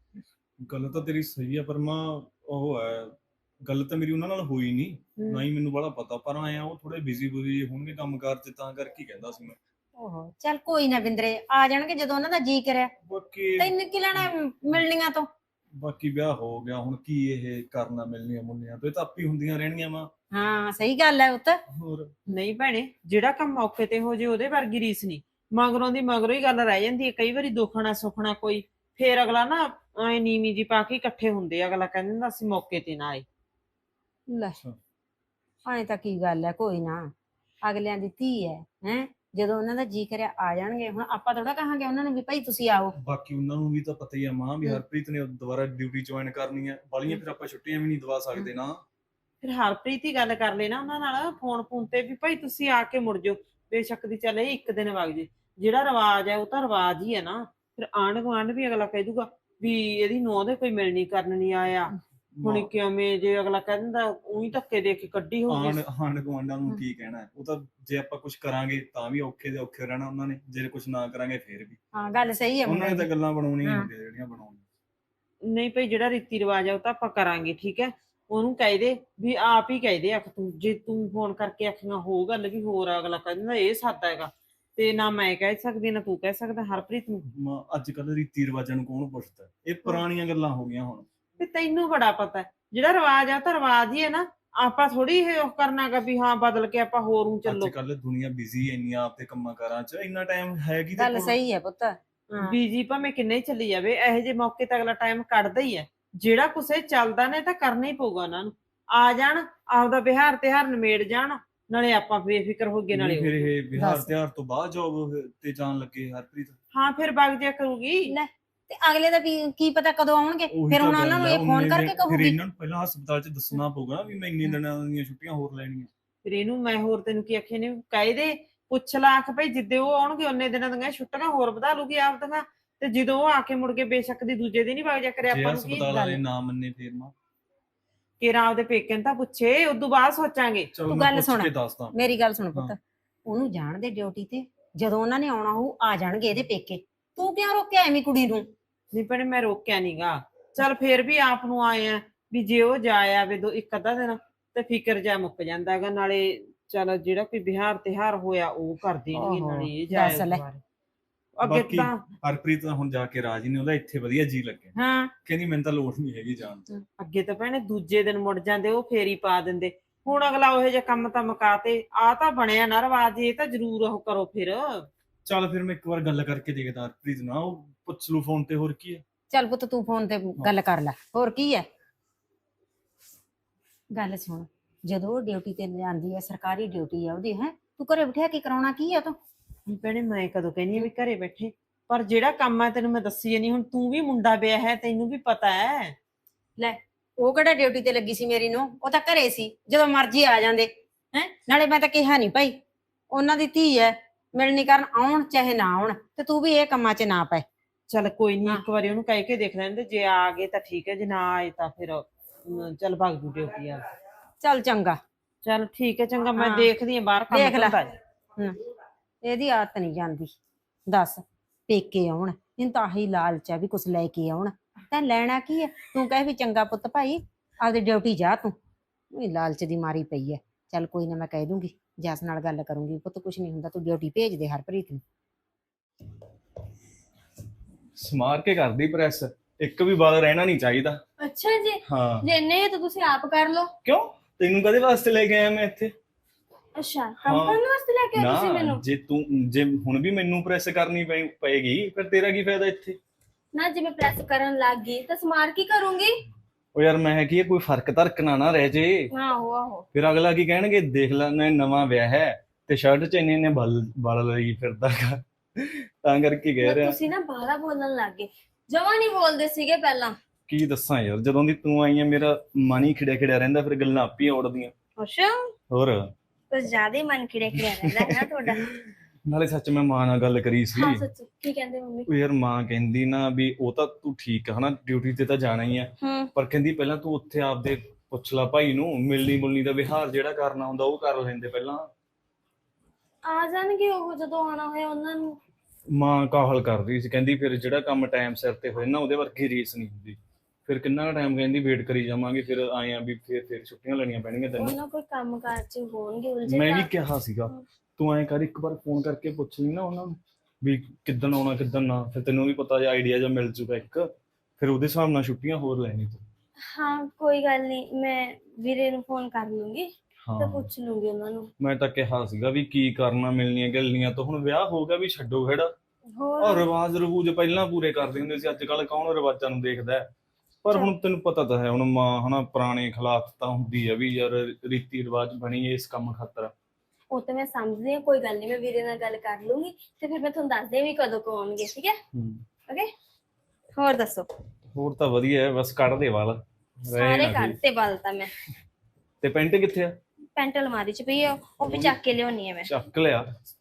A: ਗੱਲ ਤਾਂ ਤੇਰੀ ਸਹੀ ਆ, ਪਰ ਮਾਂ ਉਹ ਹੈ, ਗੱਲ ਤਾਂ ਮੇਰੀ ਉਹਨਾਂ ਨਾਲ ਹੋਈ ਨਹੀਂ, ਨਾ ਹੀ ਮੈਨੂੰ ਬੜਾ ਪਤਾ। ਪਰ ਆਇਆ ਉਹ ਥੋੜੇ ਬਿਜ਼ੀ ਬੁਜ਼ੀ ਹੋਣਗੇ ਕੰਮ ਕਾਰ 'ਚ, ਤਾਂ ਕਰਕੇ ਕਹਿੰਦਾ ਸੀ ਮੈਂ।
D: ਓਹੋ ਚੱਲ ਕੋਈ ਨਾ ਬਿੰਦਰੇ, ਆ ਜਾਣਗੇ ਜਦੋਂ ਉਹਨਾਂ ਦਾ ਜੀ ਕਰਿਆ।
A: ਬਾਕੀ
D: ਤੈਨੂੰ ਕੀ ਲੈਣਾ ਹੈ ਮਿਲਣੀਆਂ ਤੋਂ?
A: ਬਾਕੀ ਵਿਆਹ ਹੋ ਗਿਆ, ਹੁਣ ਕੀ ਇਹ ਕਰਨਾ ਮਿਲਣੀਆਂ ਮੁੰਨੀਆਂ ਤੋਂ? ਇਹ ਤਾਂ ਆਪੀ ਹੁੰਦੀਆਂ ਰਹਿਣੀਆਂ ਵਾ।
D: ਹਾਂ ਸਹੀ ਗੱਲ ਹੈ ਪੁੱਤ।
A: ਹੋਰ
E: ਨਹੀਂ ਭੈਣੇ, ਜਿਹੜਾ ਕੰਮ ਮੌਕੇ ਤੇ ਹੋ ਜੇ ਉਹਦੇ ਵਰਗੀ ਰੀਸ ਨਹੀਂ। ਮਗਰੋਂ ਦੀ ਮਗਰੋਂ ਹੀ ਗੱਲ ਰਹਿ ਜਾਂਦੀ ਹੈ। ਕਈ ਵਾਰੀ ਦੁੱਖਣਾ ਸੁੱਖਣਾ ਕੋਈ, ਫੇਰ ਅਗਲਾ ਨਾ ਐ ਨੀਵੀਂ ਜੀ ਪਾ ਕੇ ਇਕੱਠੇ ਹੁੰਦੇ ਆ। ਅਗਲਾ ਕਹਿੰਦਾ ਹੁੰਦਾ ਅਸੀਂ ਮੌਕੇ ਤੇ ਨਾ ਆਏ।
D: ਲੈ
A: ਅੱਛਾ।
D: ਐਂ ਤਾਂ ਕੀ ਗੱਲ ਹੈ, ਕੋਈ ਨਾ, ਅਗਲਿਆਂ ਦੀ ਧੀ ਹੈ ਹੈ, ਜਦੋਂ ਉਹਨਾਂ ਦਾ ਜੀ ਕਰਿਆ ਆ ਜਾਣਗੇ। ਹੁਣ ਆਪਾਂ ਥੋੜਾ ਕਹਾਂਗੇ ਉਹਨਾਂ ਨੂੰ ਵੀ ਭਾਈ ਤੁਸੀਂ ਆਓ।
A: ਬਾਕੀ ਉਹਨਾਂ ਨੂੰ ਵੀ ਤਾਂ ਪਤਾ ਹੀ ਆ ਮਾਂ ਵੀ
D: ਹਮ।
A: ਹਰਪ੍ਰੀਤ ਨੇ ਦੁਬਾਰਾ ਡਿਊਟੀ ਜੁਆਇਨ ਕਰਨੀ ਹੈ ਵਾਲੀਆਂ, ਫਿਰ ਆਪਾਂ ਛੁੱਟੀਆਂ ਵੀ ਨਹੀਂ ਦਵਾ ਸਕਦੇ ਨਾ।
E: ਫਿਰ ਹਰਪ੍ਰੀਤ ਹੀ ਗੱਲ ਕਰ ਲੈਣਾ ਉਹਨਾਂ ਨਾਲ ਫੋਨ ਫੋਨ ਤੇ ਵੀ ਭਾਈ ਤੁਸੀਂ ਆ ਕੇ ਮੁੜ ਜਾਓ। ਬੇਸ਼ੱਕ ਦੀ ਚੱਲ ਇਹ ਇੱਕ ਦਿਨ ਵਗ ਜੇ, ਜਿਹੜਾ ਰਿਵਾਜ ਹੈ ਉਹ ਤਾਂ ਰਿਵਾਜ ਹੀ ਹੈ ਨਾ। ਫਿਰ ਆਂਢ ਗੁਆਂਢ ਵੀ ਅਗਲਾ ਕਹਿ ਦੂਗਾ ਵੀ ਇਹਦੀ ਨੂੰਹ ਦੇ ਕੋਈ ਮਿਲਣੀ ਕਰਨ ਨਹੀਂ ਆਇਆ। ਹੁਣ ਕਿਵੇਂ ਜੇ ਅਗਲਾ ਕਹਿ ਦਿੰਦਾ ਉਹੀ ਧੱਕੇ ਦੇ ਕੇ ਕੱਢੀ ਹੋਊਗੀ।
A: ਆਂਢ ਆਂਢ ਗੁਆਂਢਾਂ ਨੂੰ ਕੀ ਕਹਿਣਾ ਹੈ? ਉਹ ਤਾਂ ਜੇ ਆਪਾਂ ਕੁਝ ਕਰਾਂਗੇ ਤਾਂ ਵੀ ਔਖੇ ਦੇ ਔਖੇ ਰਹਿਣਾ ਉਹਨਾਂ ਨੇ, ਜੇ ਕੁਝ ਨਾ ਕਰਾਂਗੇ ਫੇਰ ਵੀ।
D: ਹਾਂ ਗੱਲ ਸਹੀ ਹੈ
A: ਉਹਨਾਂ ਨੇ
D: ਮੁੰਡੇ
A: ਤਾਂ
D: ਦੀ।
A: ਗੱਲਾਂ ਬਣਾਉਣੀਆਂ ਹੀ
D: ਹਾਂ।
A: ਹੁੰਦੀਆਂ ਜਿਹੜੀਆਂ ਬਣਾਉਣੀਆਂ।
E: ਨਹੀਂ ਭਾਈ, ਜਿਹੜਾ ਰੀਤੀ ਰਿਵਾਜ ਆ ਉਹ ਤਾਂ ਆਪਾਂ ਕਰਾਂਗੇ, ਠੀਕ ਹੈ। ਉਹਨੂੰ ਕਹਿ ਦੇ ਵੀ ਆਪ ਹੀ ਕਹਿ ਦੇ, ਆਖ ਤੂੰ ਜੇ ਤੂੰ ਫੋਨ ਕਰਕੇ ਆਖੀਆਂ ਹੋ ਗੱਲ ਵੀ ਹੋਰ ਆ, ਅਗਲਾ ਕਹਿ ਦਿੰਦਾ ਇਹ ਸਾਦਾ ਹੈਗਾ। ਤੇ ਨਾ ਮੈਂ ਕਹਿ ਸਕਦੀ ਨਾ ਤੂੰ ਕਹਿ ਸਕਦਾ ਹਰਪ੍ਰੀਤ ਨੂੰ।
A: ਮਾਂ ਅੱਜ ਕੱਲ ਰੀਤੀ ਰਿਵਾਜਾਂ ਨੂੰ ਕੌਣ ਪੁੱਛਦਾ, ਇਹ ਪੁਰਾਣੀਆਂ ਗੱਲਾਂ ਹੋ ਗਈਆਂ ਹੁਣ।
E: ਤੇ ਤੈਨੂੰ ਬੜਾ ਪਤਾ ਹੈ, ਜਿਹੜਾ ਰਿਵਾਜ ਆ ਉਹ ਤਾਂ ਰਿਵਾਜ ਹੀ ਹੈ ਨਾ। ਆਪਾਂ ਥੋੜੀ ਇਹ ਉਹ ਕਰਨਾਗਾ ਵੀ ਹਾਂ ਬਦਲ ਕੇ ਆਪਾਂ ਹੋਰ ਨੂੰ ਚੱਲੋ।
A: ਅੱਜ ਕੱਲ ਦੁਨੀਆ ਬਿਜ਼ੀ ਇੰਨੀ ਆਪਦੇ ਕੰਮਾਂ ਕਾਰਾਂ 'ਚ, ਇੰਨਾ ਟਾਈਮ ਹੈ ਕੀ
D: ਗੱਲ ਸਹੀ ਹੈ ਪੁੱਤ।
E: ਬੀਜੀ ਭਾਵੇਂ ਕਿੰਨੇ ਹੀ ਚੱਲੀ ਜਾਵੇ, ਇਹੋ ਜਿਹੇ ਮੌਕੇ ਤੇ ਅਗਲਾ ਟਾਈਮ ਕੱਢਦਾ ਹੀ ਹੈ। ਜਿਹੜਾ ਕੁਛ ਇਹ ਚੱਲਦਾ ਨੇ ਤਾਂ ਕਰਨਾ ਹੀ ਪਊਗਾ ਉਹਨਾਂ ਨੂੰ। ਆ ਜਾਣ, ਆਪਦਾ ਬਿਹਾਰ ਤਿਉਹਾਰ ਨਿਮੇੜ ਜਾਣ, ਨਾਲੇ ਆਪਾਂ ਬੇਫਿਕਰ ਹੋ ਗਏ ਨਾਲੇ
A: ਫਿਰ
E: ਉਹ।
A: ਇਹ ਬਿਹਾਰ
D: ਦੱਸ।
A: ਤਿਉਹਾਰ ਤੋਂ ਬਾਅਦ ਜੋਬ ਤੇ ਜਾਣ ਲੱਗੇ ਹਰਪ੍ਰੀਤ।
E: ਹਾਂ ਫਿਰ ਵਗ ਜਾ ਕਰੂਗੀ।
D: ਲੈ ਤੇ ਅਗਲੇ ਦਾ ਵੀ ਕੀ ਪਤਾ ਕਦੋਂ ਆਉਣਗੇ,
A: ਉਹੀ
D: ਫਿਰ
A: ਤਾਂ
D: ਹੁਣ ਉਹਨਾਂ
A: ਗੱਲ
D: ਨੂੰ
A: ਹੈ,
D: ਇਹ ਫੋਨ
A: ਉਨੇ
D: ਕਰਕੇ
A: ਦਿਨ- ਫਿਰ
D: ਕਹੂਗੀ।
A: ਇਹਨਾਂ ਨੂੰ ਪਹਿਲਾਂ ਹਸਪਤਾਲ 'ਚ ਦੱਸਣਾ ਪਊਗਾ ਨਾ ਵੀ ਮੈਂ ਇੰਨੇ ਦਿਨਾਂ ਦੀਆਂ ਛੁੱਟੀਆਂ ਹੋਰ ਲੈਣੀਆਂ।
E: ਫਿਰ ਇਹਨੂੰ ਮੈਂ ਹੋਰ ਤੈਨੂੰ ਕੀ ਆਖਿਆ ਨੇ, ਕਹਿ ਦੇ ਪੁੱਛ ਲਾ ਆਖ ਭਾਈ ਜਿੱਦੇ ਉਹ ਆਉਣਗੇ ਉਹਨੇ ਦਿਨਾਂ ਦੀਆਂ ਛੁੱਟੀਆਂ ਹੋਰ ਵਧਾ ਲੂਗੀ ਆਪ ਦੀਆਂ। ਤੇ ਜਦੋਂ ਉਹ ਆ ਕੇ ਮੁੜ ਕੇ ਬੇਸ਼ੱਕ ਦੀ ਦੂਜੇ ਦਿਨ ਹੀ ਵਗ ਜਾ ਕਰੇ,
A: ਜੇ
E: ਆਪਾਂ ਨੂੰ ਕੀ
A: ਹਸਪਤਾਲ ਵਾਲੇ
E: ਗੱਲ।
A: ਨਾ ਮੰਨੇ ਫੇਰ ਮਾਂ।
E: ਕਿਰਾਂ ਆਪਦੇ ਪੇਕੇ ਨੂੰ ਤਾਂ ਪੁੱਛੇ, ਉਦੋਂ ਬਾਅਦ ਸੋਚਾਂਗੇ।
A: ਚਲੋ
D: ਤੂੰ
A: ਮੈਂ
D: ਗੱਲ
A: ਪੁੱਛ
D: ਸੁਣ।
A: ਕੇ ਦੱਸਦਾ।
D: ਮੇਰੀ ਗੱਲ ਸੁਣ ਪੁੱਤ,
A: ਹਾਂ।
D: ਉਹਨੂੰ ਜਾਣ ਦੇ ਡਿਊਟੀ ਤੇ, ਜਦੋਂ ਉਹਨਾਂ ਨੇ ਆਉਣਾ ਹੋਊ ਆ ਜਾਣਗੇ ਇਹਦੇ ਪੇਕੇ। ਤੂੰ ਕਿਉਂ ਰੋਕਿਆ ਐਵੇਂ ਕੁੜੀ ਨੂੰ?
E: ਨਹੀਂ ਭੈਣੇ ਮੈਂ ਰੋਕਿਆ ਨੀਗਾ, ਚੱਲ ਫੇਰ ਵੀ ਆਪ ਨੂੰ ਆਏ ਆ ਵੀ ਜੇ ਉਹ ਜਾ ਆਵੇ ਦੋ ਇੱਕ ਅੱਧਾ ਦਿਨ ਤੇ ਫਿਕਰ ਜਾ ਮੁੱਕ ਜਾਂਦਾ ਹੈਗਾ। ਨਾਲੇ ਚੱਲ ਜਿਹੜਾ ਕੋਈ ਬਿਹਾਰ ਤਿਉਹਾਰ ਹੋਇਆ ਉਹ ਕਰ ਦੇਣਗੇ,
D: ਓਹੋ,
E: ਨਾਲੇ ਇਹ
D: ਦੱਸ
E: ਜਾਏ
D: ਲੈ।
E: ਦੁਬਾਰੇ। ਅੱਗੇ
A: ਬਾਕੀ
E: ਤਾਂ
A: ਹਰਪ੍ਰੀਤ ਤਾਂ ਹੁਣ ਜਾ ਕੇ ਰਾਜੀ ਨੇ, ਉਹਦਾ ਇੱਥੇ ਵਧੀਆ ਜੀ ਲੱਗਿਆ।
D: ਹਾਂ
A: ਕਹਿੰਦੀ ਮੈਨੂੰ ਤਾਂ ਲੋੜ ਨਹੀਂ ਹੈਗੀ ਜਾਣ ਦੀ।
E: ਅੱਗੇ ਤਾਂ ਭੈਣੇ ਦੂਜੇ ਦਿਨ ਮੁੜ ਜਾਂਦੇ, ਉਹ ਫੇਰ ਹੀ ਪਾ ਦਿੰਦੇ। ਹੁਣ ਅਗਲਾ ਉਹੋ ਜਿਹਾ ਕੰਮ ਤਾਂ ਮੁਕਾਤੇ, ਆ ਤਾਂ ਬਣਿਆ ਨਾ ਰਿਵਾਜ, ਇਹ ਤਾਂ ਜ਼ਰੂਰ ਉਹ ਕਰੋ ਫਿਰ।
A: ਚੱਲ ਫਿਰ ਮੈਂ ਇੱਕ ਵਾਰ ਗੱਲ ਕਰਕੇ ਦੇਖਦਾ ਹਰਪ੍ਰੀਤ ਨਾਲ, ਉਹ ਪੁੱਛ ਲੂ ਫੋਨ ਤੇ, ਹੋਰ ਕੀ ਹੈ।
D: ਚੱਲ ਪੁੱਤ ਤੂੰ ਫੋਨ ਤੇ ਗੱਲ ਕਰ ਲੈ, ਹੋਰ ਕੀ ਹੈ। ਗੱਲ ਸੁਣ, ਜਦੋਂ ਉਹ ਡਿਊਟੀ ਤੇ ਜਾਂਦੀ ਹੈ, ਸਰਕਾਰੀ ਡਿਊਟੀ ਆ ਉਹਦੀ, ਹੈ ਤੂੰ ਘਰੇ ਬਿਠਾ ਕੇ ਕਰਾਉਣਾ ਕੀ ਆ ਤੂੰ?
E: ਨਹੀਂ ਭੈਣੇ ਮੈਂ ਕਦੋਂ ਕਹਿੰਦੀ ਆ ਵੀ ਘਰੇ ਬੈਠੇ, ਪਰ ਜਿਹੜਾ ਕੰਮ ਹੈ ਤੈਨੂੰ ਮੈਂ ਦੱਸੀ ਨਹੀਂ। ਹੁਣ ਤੂੰ ਵੀ ਮੁੰਡਾ ਵਿਆਹ ਹੈ, ਤੈਨੂੰ ਵੀ ਪਤਾ ਹੈ।
D: ਲੈ ਉਹ ਕਿਹੜਾ ਡਿਊਟੀ ਤੇ ਲੱਗੀ ਸੀ ਮੇਰੀ ਨੂੰ, ਉਹ ਤਾਂ ਘਰੇ ਸੀ, ਜਦੋਂ ਮਰਜ਼ੀ ਆ ਜਾਂਦੇ ਹੈ। ਨਾਲੇ ਮੈਂ ਤਾਂ ਕਿਹਾ ਨਹੀਂ ਭਾਈ, ਉਹਨਾਂ ਦੀ ਧੀ ਹੈ, ਮਿਲਣੀ ਕਰਨ ਆਉਣ ਚਾਹੇ ਨਾ ਆਉਣ, ਤੇ ਤੂੰ ਵੀ ਇਹ ਕੰਮਾਂ 'ਚ ਨਾ ਪੈ।
E: ਚੱਲ ਕੋਈ ਨਹੀਂ,
D: ਹਾਂ।
E: ਇੱਕ ਵਾਰੀ ਉਹਨੂੰ ਕਹਿ ਕੇ ਦੇਖ ਲੈਂਦੇ, ਜੇ ਆ ਗਏ ਤਾਂ ਠੀਕ ਹੈ, ਜੇ ਨਾ ਆਏ ਤਾਂ ਫਿਰ ਅਮ, ਚੱਲ ਭਗ ਜੂ ਡਿਊਟੀ ਆ।
D: ਚੱਲ ਚੰਗਾ।
E: ਚੱਲ ਠੀਕ ਹੈ, ਚੰਗਾ ਮੈਂ
D: ਹਾਂ।
E: ਦੇਖਦੀ ਆ ਬਾਹਰ ਕੰਮ
D: ਦੇਖ ਲੈ।
E: ਧੰਦਾ ਜੀ।
D: ਹਮ, ਇਹਦੀ ਆਦਤ ਨਹੀਂ ਜਾਂਦੀ। ਦੱਸ, ਪੇਕੇ ਆਉਣ, ਇਹਨੂੰ ਤਾਂ ਆਹੀ ਲਾਲਚ ਆ ਵੀ ਕੁਛ ਲੈ ਕੇ ਆਉਣ। ਤਾਂ ਲੈਣਾ ਕੀ ਹੈ? ਤੂੰ ਕਹਿ ਵੀ ਚੰਗਾ ਪੁੱਤ ਭਾਈ ਆਪਦੀ ਡਿਊਟੀ ਜਾ, ਤੂੰ ਇਹ ਲਾਲਚ ਦੀ ਮਾਰੀ ਪਈ ਹੈ। ਚੱਲ ਕੋਈ ਨਾ, ਮੈਂ ਕਹਿ ਦੂੰਗੀ, ਜਸ ਨਾਲ ਗੱਲ ਕਰੂੰਗੀ, ਪੁੱਤ ਕੁਛ ਨਹੀਂ ਹੁੰਦਾ, ਤੂੰ ਡਿਊਟੀ ਭੇਜ ਦੇ ਹਰਪ੍ਰੀਤ ਨੂੰ।
A: ਸਮਾਰ ਕੇ ਕਰਦੀ ਪ੍ਰੈਸ, ਇੱਕ ਵੀ ਵਾਰ ਰਹਿਣਾ ਨਹੀਂ ਚਾਹੀਦਾ।
B: ਅੱਛਾ ਜੀ,
A: ਹਾਂ
B: ਜੇ ਇੰਨੇ ਤਾਂ ਤੁਸੀਂ ਆਪ ਕਰ ਲਓ।
A: ਕਿਉਂ, ਤੈਨੂੰ ਕਦੇ ਵਾਸਤੇ ਲੈ ਕੇ ਆਇਆ ਮੈਂ ਇੱਥੇ?
B: ਅੱਛਾ, ਕੰਮ
A: ਹਾਂ।
B: ਕਰਨ ਵਾਸਤੇ ਲੈ ਕੇ ਆਏ ਤੁਸੀਂ
A: ਨਾ
B: ਮੈਨੂੰ?
A: ਜੇ ਤੂੰ ਜੇ ਹੁਣ ਵੀ ਮੈਨੂੰ ਪ੍ਰੈਸ ਕਰਨੀ ਪਈ- ਪਏਗੀ ਫਿਰ ਤੇਰਾ ਕੀ ਫਾਇਦਾ ਇੱਥੇ?
B: ਨਾ ਜੇ ਮੈਂ ਪ੍ਰੈਸ ਕਰਨ ਲੱਗ ਗਈ ਤਾਂ ਸਮਾਰ ਕੀ ਕਰੂੰਗੀ?
A: ਉਹ ਯਾਰ ਮੈਂ ਕੀ ਕੋਈ ਫਰਕ ਧਰਕ ਨਾ ਨਾ ਰਹਿ ਜੇ।
B: ਆਹੋ ਆਹੋ।
A: ਫਿਰ ਅਗਲਾ ਕੀ ਕਹਿਣਗੇ, ਦੇਖ ਲੈ ਨਾ ਨਵਾਂ ਵਿਆਹ ਹੈ ਤੇ ਸ਼ਰਟ ਚ ਇੰਨੇ ਇੰਨੇ ਬਲ ਬਲ ਲਈ ਫਿਰਦਾ ਗਾ। ਤਾਂ ਕਰਕੇ ਕਹਿ
B: ਨਾ
A: ਰਿਹਾ।
B: ਤੁਸੀਂ ਨਾ ਬਾਹਲਾ ਬੋਲਣ ਲੱਗ ਗਏ, ਜਮਾਂ ਨਹੀਂ ਬੋਲਦੇ ਸੀਗੇ ਪਹਿਲਾਂ।
A: ਕੀ ਦੱਸਾਂ ਯਾਰ, ਜਦੋਂ ਦੀ ਤੂੰ ਆਈ ਹੈ ਮੇਰਾ ਮਨ ਹੀ ਖਿੜਿਆ ਖਿੜਿਆ ਰਹਿੰਦਾ, ਫਿਰ ਗੱਲਾਂ ਆਪੇ ਹੀ ਔੜਦੀਆਂ।
B: ਅੱਛਾ,
A: ਹੋਰ
B: ਕੁਝ ਜ਼ਿਆਦਾ ਹੀ ਮਨ ਖਿੜਿਆ ਖਿੜਿਆ ਰਹਿੰਦਾ ਹੈ ਨਾ ਤੁਹਾਡਾ।
A: ਨਾਲੇ ਸੱਚ ਮੈਂ ਮਾਂ ਨਾਲ ਗੱਲ ਕਰੀ ਸੀ।
B: ਹਾਂ ਸੱਚ, ਕੀ ਕਹਿੰਦੇ ਮੰਮੀ?
A: ਉਹ ਯਾਰ ਮਾਂ ਕਹਿੰਦੀ ਨਾ ਵੀ ਉਹ ਤਾਂ ਤੂੰ ਠੀਕ ਹੈ ਹਨਾ, ਡਿਊਟੀ ਤੇ ਤਾਂ ਜਾਣਾ ਹੀ ਹੈ,
B: ਹੂੰ।
A: ਪਰ ਕਹਿੰਦੀ ਪਹਿਲਾਂ ਤੂੰ ਉੱਥੇ ਆਪਦੇ ਪੁੱਛ ਲਾ ਭਾਈ ਨੂੰ, ਮਿਲਣੀ ਮੁਲਣੀ ਦਾ ਵਿਹਾਰ ਜਿਹੜਾ ਕਰਨਾ ਹੁੰਦਾ ਉਹ ਕਰ ਲੈਂਦੇ ਪਹਿਲਾਂ।
B: ਆ ਜਾਣਗੇ ਉਹ ਜਦੋਂ ਆਉਣਾ ਹੋਇਆ ਉਹਨਾਂ ਨੂੰ।
A: ਮਾਂ ਕਾਹਲ ਕਰ ਰਹੀ ਸੀ, ਕਹਿੰਦੀ ਫਿਰ ਜਿਹੜਾ ਕੰਮ ਟਾਈਮ ਸਿਰ ਤੇ ਹੋਏ ਨਾ ਉਹਦੇ ਵਰਗੀ ਰੀਸ ਨਹੀਂ ਹੁੰਦੀ। ਫਿਰ ਕਿੰਨਾ ਟਾਈਮ ਕਹਿੰਦੀ ਵੇਟ ਕਰੀ ਜਾਵਾਂਗੇ, ਫਿਰ ਆਏ ਆ ਵੀ ਫਿਰ ਫਿਰ ਛੁੱਟੀਆਂ ਲੈਣੀਆਂ ਪੈਣਗੀਆਂ ਤੈਨੂੰ।
B: ਉਹਨਾਂ ਕੋਈ ਕੰਮ ਕਾਰ ਚ ਹੋਣਗੇ ਉਲਝੇ।
A: ਮੈਂ ਵੀ ਕਿਹਾ ਸੀਗਾ ਤੂੰ ਐਂ ਕਰ, ਇੱਕ ਵਾਰ ਫੋਨ ਕਰਕੇ ਪੁੱਛ ਲਈ ਨਾ ਉਹਨਾਂ ਨੂੰ ਵੀ ਕਿੱਦਣ ਆਉਣਾ ਕਿੱਦਣ ਨਾ, ਫਿਰ ਤੈਨੂੰ ਵੀ ਪਤਾ ਜਿਹਾ ਆਈਡੀਆ ਜਿਹਾ ਮਿਲ ਜੂਗਾ ਇੱਕ, ਫਿਰ ਉਹਦੇ ਹਿਸਾਬ ਨਾਲ ਛੁੱਟੀਆਂ ਹੋਰ ਲੈਣੀ ਤੂੰ।
B: ਹਾਂ ਕੋਈ ਗੱਲ ਨਹੀਂ, ਮੈਂ ਵੀਰੇ ਨੂੰ ਫੋਨ ਕਰ ਲੂੰਗੀ ਤੇ
A: ਹਾਂ
B: ਪੁੱਛ ਲੂੰਗੀ ਉਹਨਾਂ ਨੂੰ।
A: ਮੈਂ ਤਾਂ ਕਿਹਾ ਸੀਗਾ ਵੀ ਕੀ ਕਰਨਾ ਮਿਲਣੀਆਂ ਗੱਲੀਆਂ ਤੋਂ, ਹੁਣ ਵਿਆਹ ਹੋ ਗਿਆ ਵੀ ਛੱਡੋ ਖੇੜਾ।
B: ਹੋਰ
A: ਔਰ ਰਿਵਾਜ ਰਵੂਜ ਪਹਿਲਾਂ ਪੂਰੇ ਕਰਦੇ ਹੁੰਦੇ ਸੀ, ਅੱਜ ਕੱਲ ਕੌਣ ਰਿਵਾਜਾਂ ਨੂੰ ਦੇਖਦਾ ਹੈ? ਪਰ ਹੁਣ ਤੈਨੂੰ ਪਤਾ ਤਾਂ ਹੈ, ਹੁਣ ਮਾਂ ਹਨਾ ਪੁਰਾਣੇ ਖਿਲਾਫ ਤਾਂ ਹੁੰਦੀ ਆ ਵੀ ਯਾਰ ਰੀਤੀ ਰਿਵਾਜ ਬਣੀ ਇਸ ਕੰਮ ਖਾਤਰ।
B: ਉਹ ਤਾਂ ਮੈਂ ਸਮਝਦੀ ਹਾਂ, ਕੋਈ ਗੱਲ ਨਹੀਂ, ਮੈਂ ਵੀਰੇ ਨਾਲ ਗੱਲ ਕਰ ਲੂੰਗੀ ਤੇ ਫਿਰ ਮੈਂ ਤੁਹਾਨੂੰ ਦੱਸ ਦੇ ਵੀ ਕਦੋਂ ਕੁ ਆਉਣਗੇ, ਠੀਕ ਹੈ? ਓਕੇ, ਹੋਰ ਦੱਸੋ?
A: ਹੋਰ ਤਾਂ ਵਧੀਆ ਹੈ, ਬਸ ਕੱਢ ਦੇ ਵਾਲ ਰਹਿ
B: ਸਾਰੇ
A: ਨਾ
B: ਕੱਢ
A: ਕੋਈ।
B: ਤੇ ਬਲ ਤਾਂ ਮੈਂ।
A: ਤੇ ਪੈਂਟ ਕਿੱਥੇ ਆ?
B: ਪੈਂਟ ਅਲਮਾਰੀ ਚ ਪਈ ਆ, ਉਹ ਵੀ ਚੱਕ ਕੇ ਲਿਆਉਣੀ ਆ ਮੈਂ।
A: ਚੱਕ ਲਿਆ।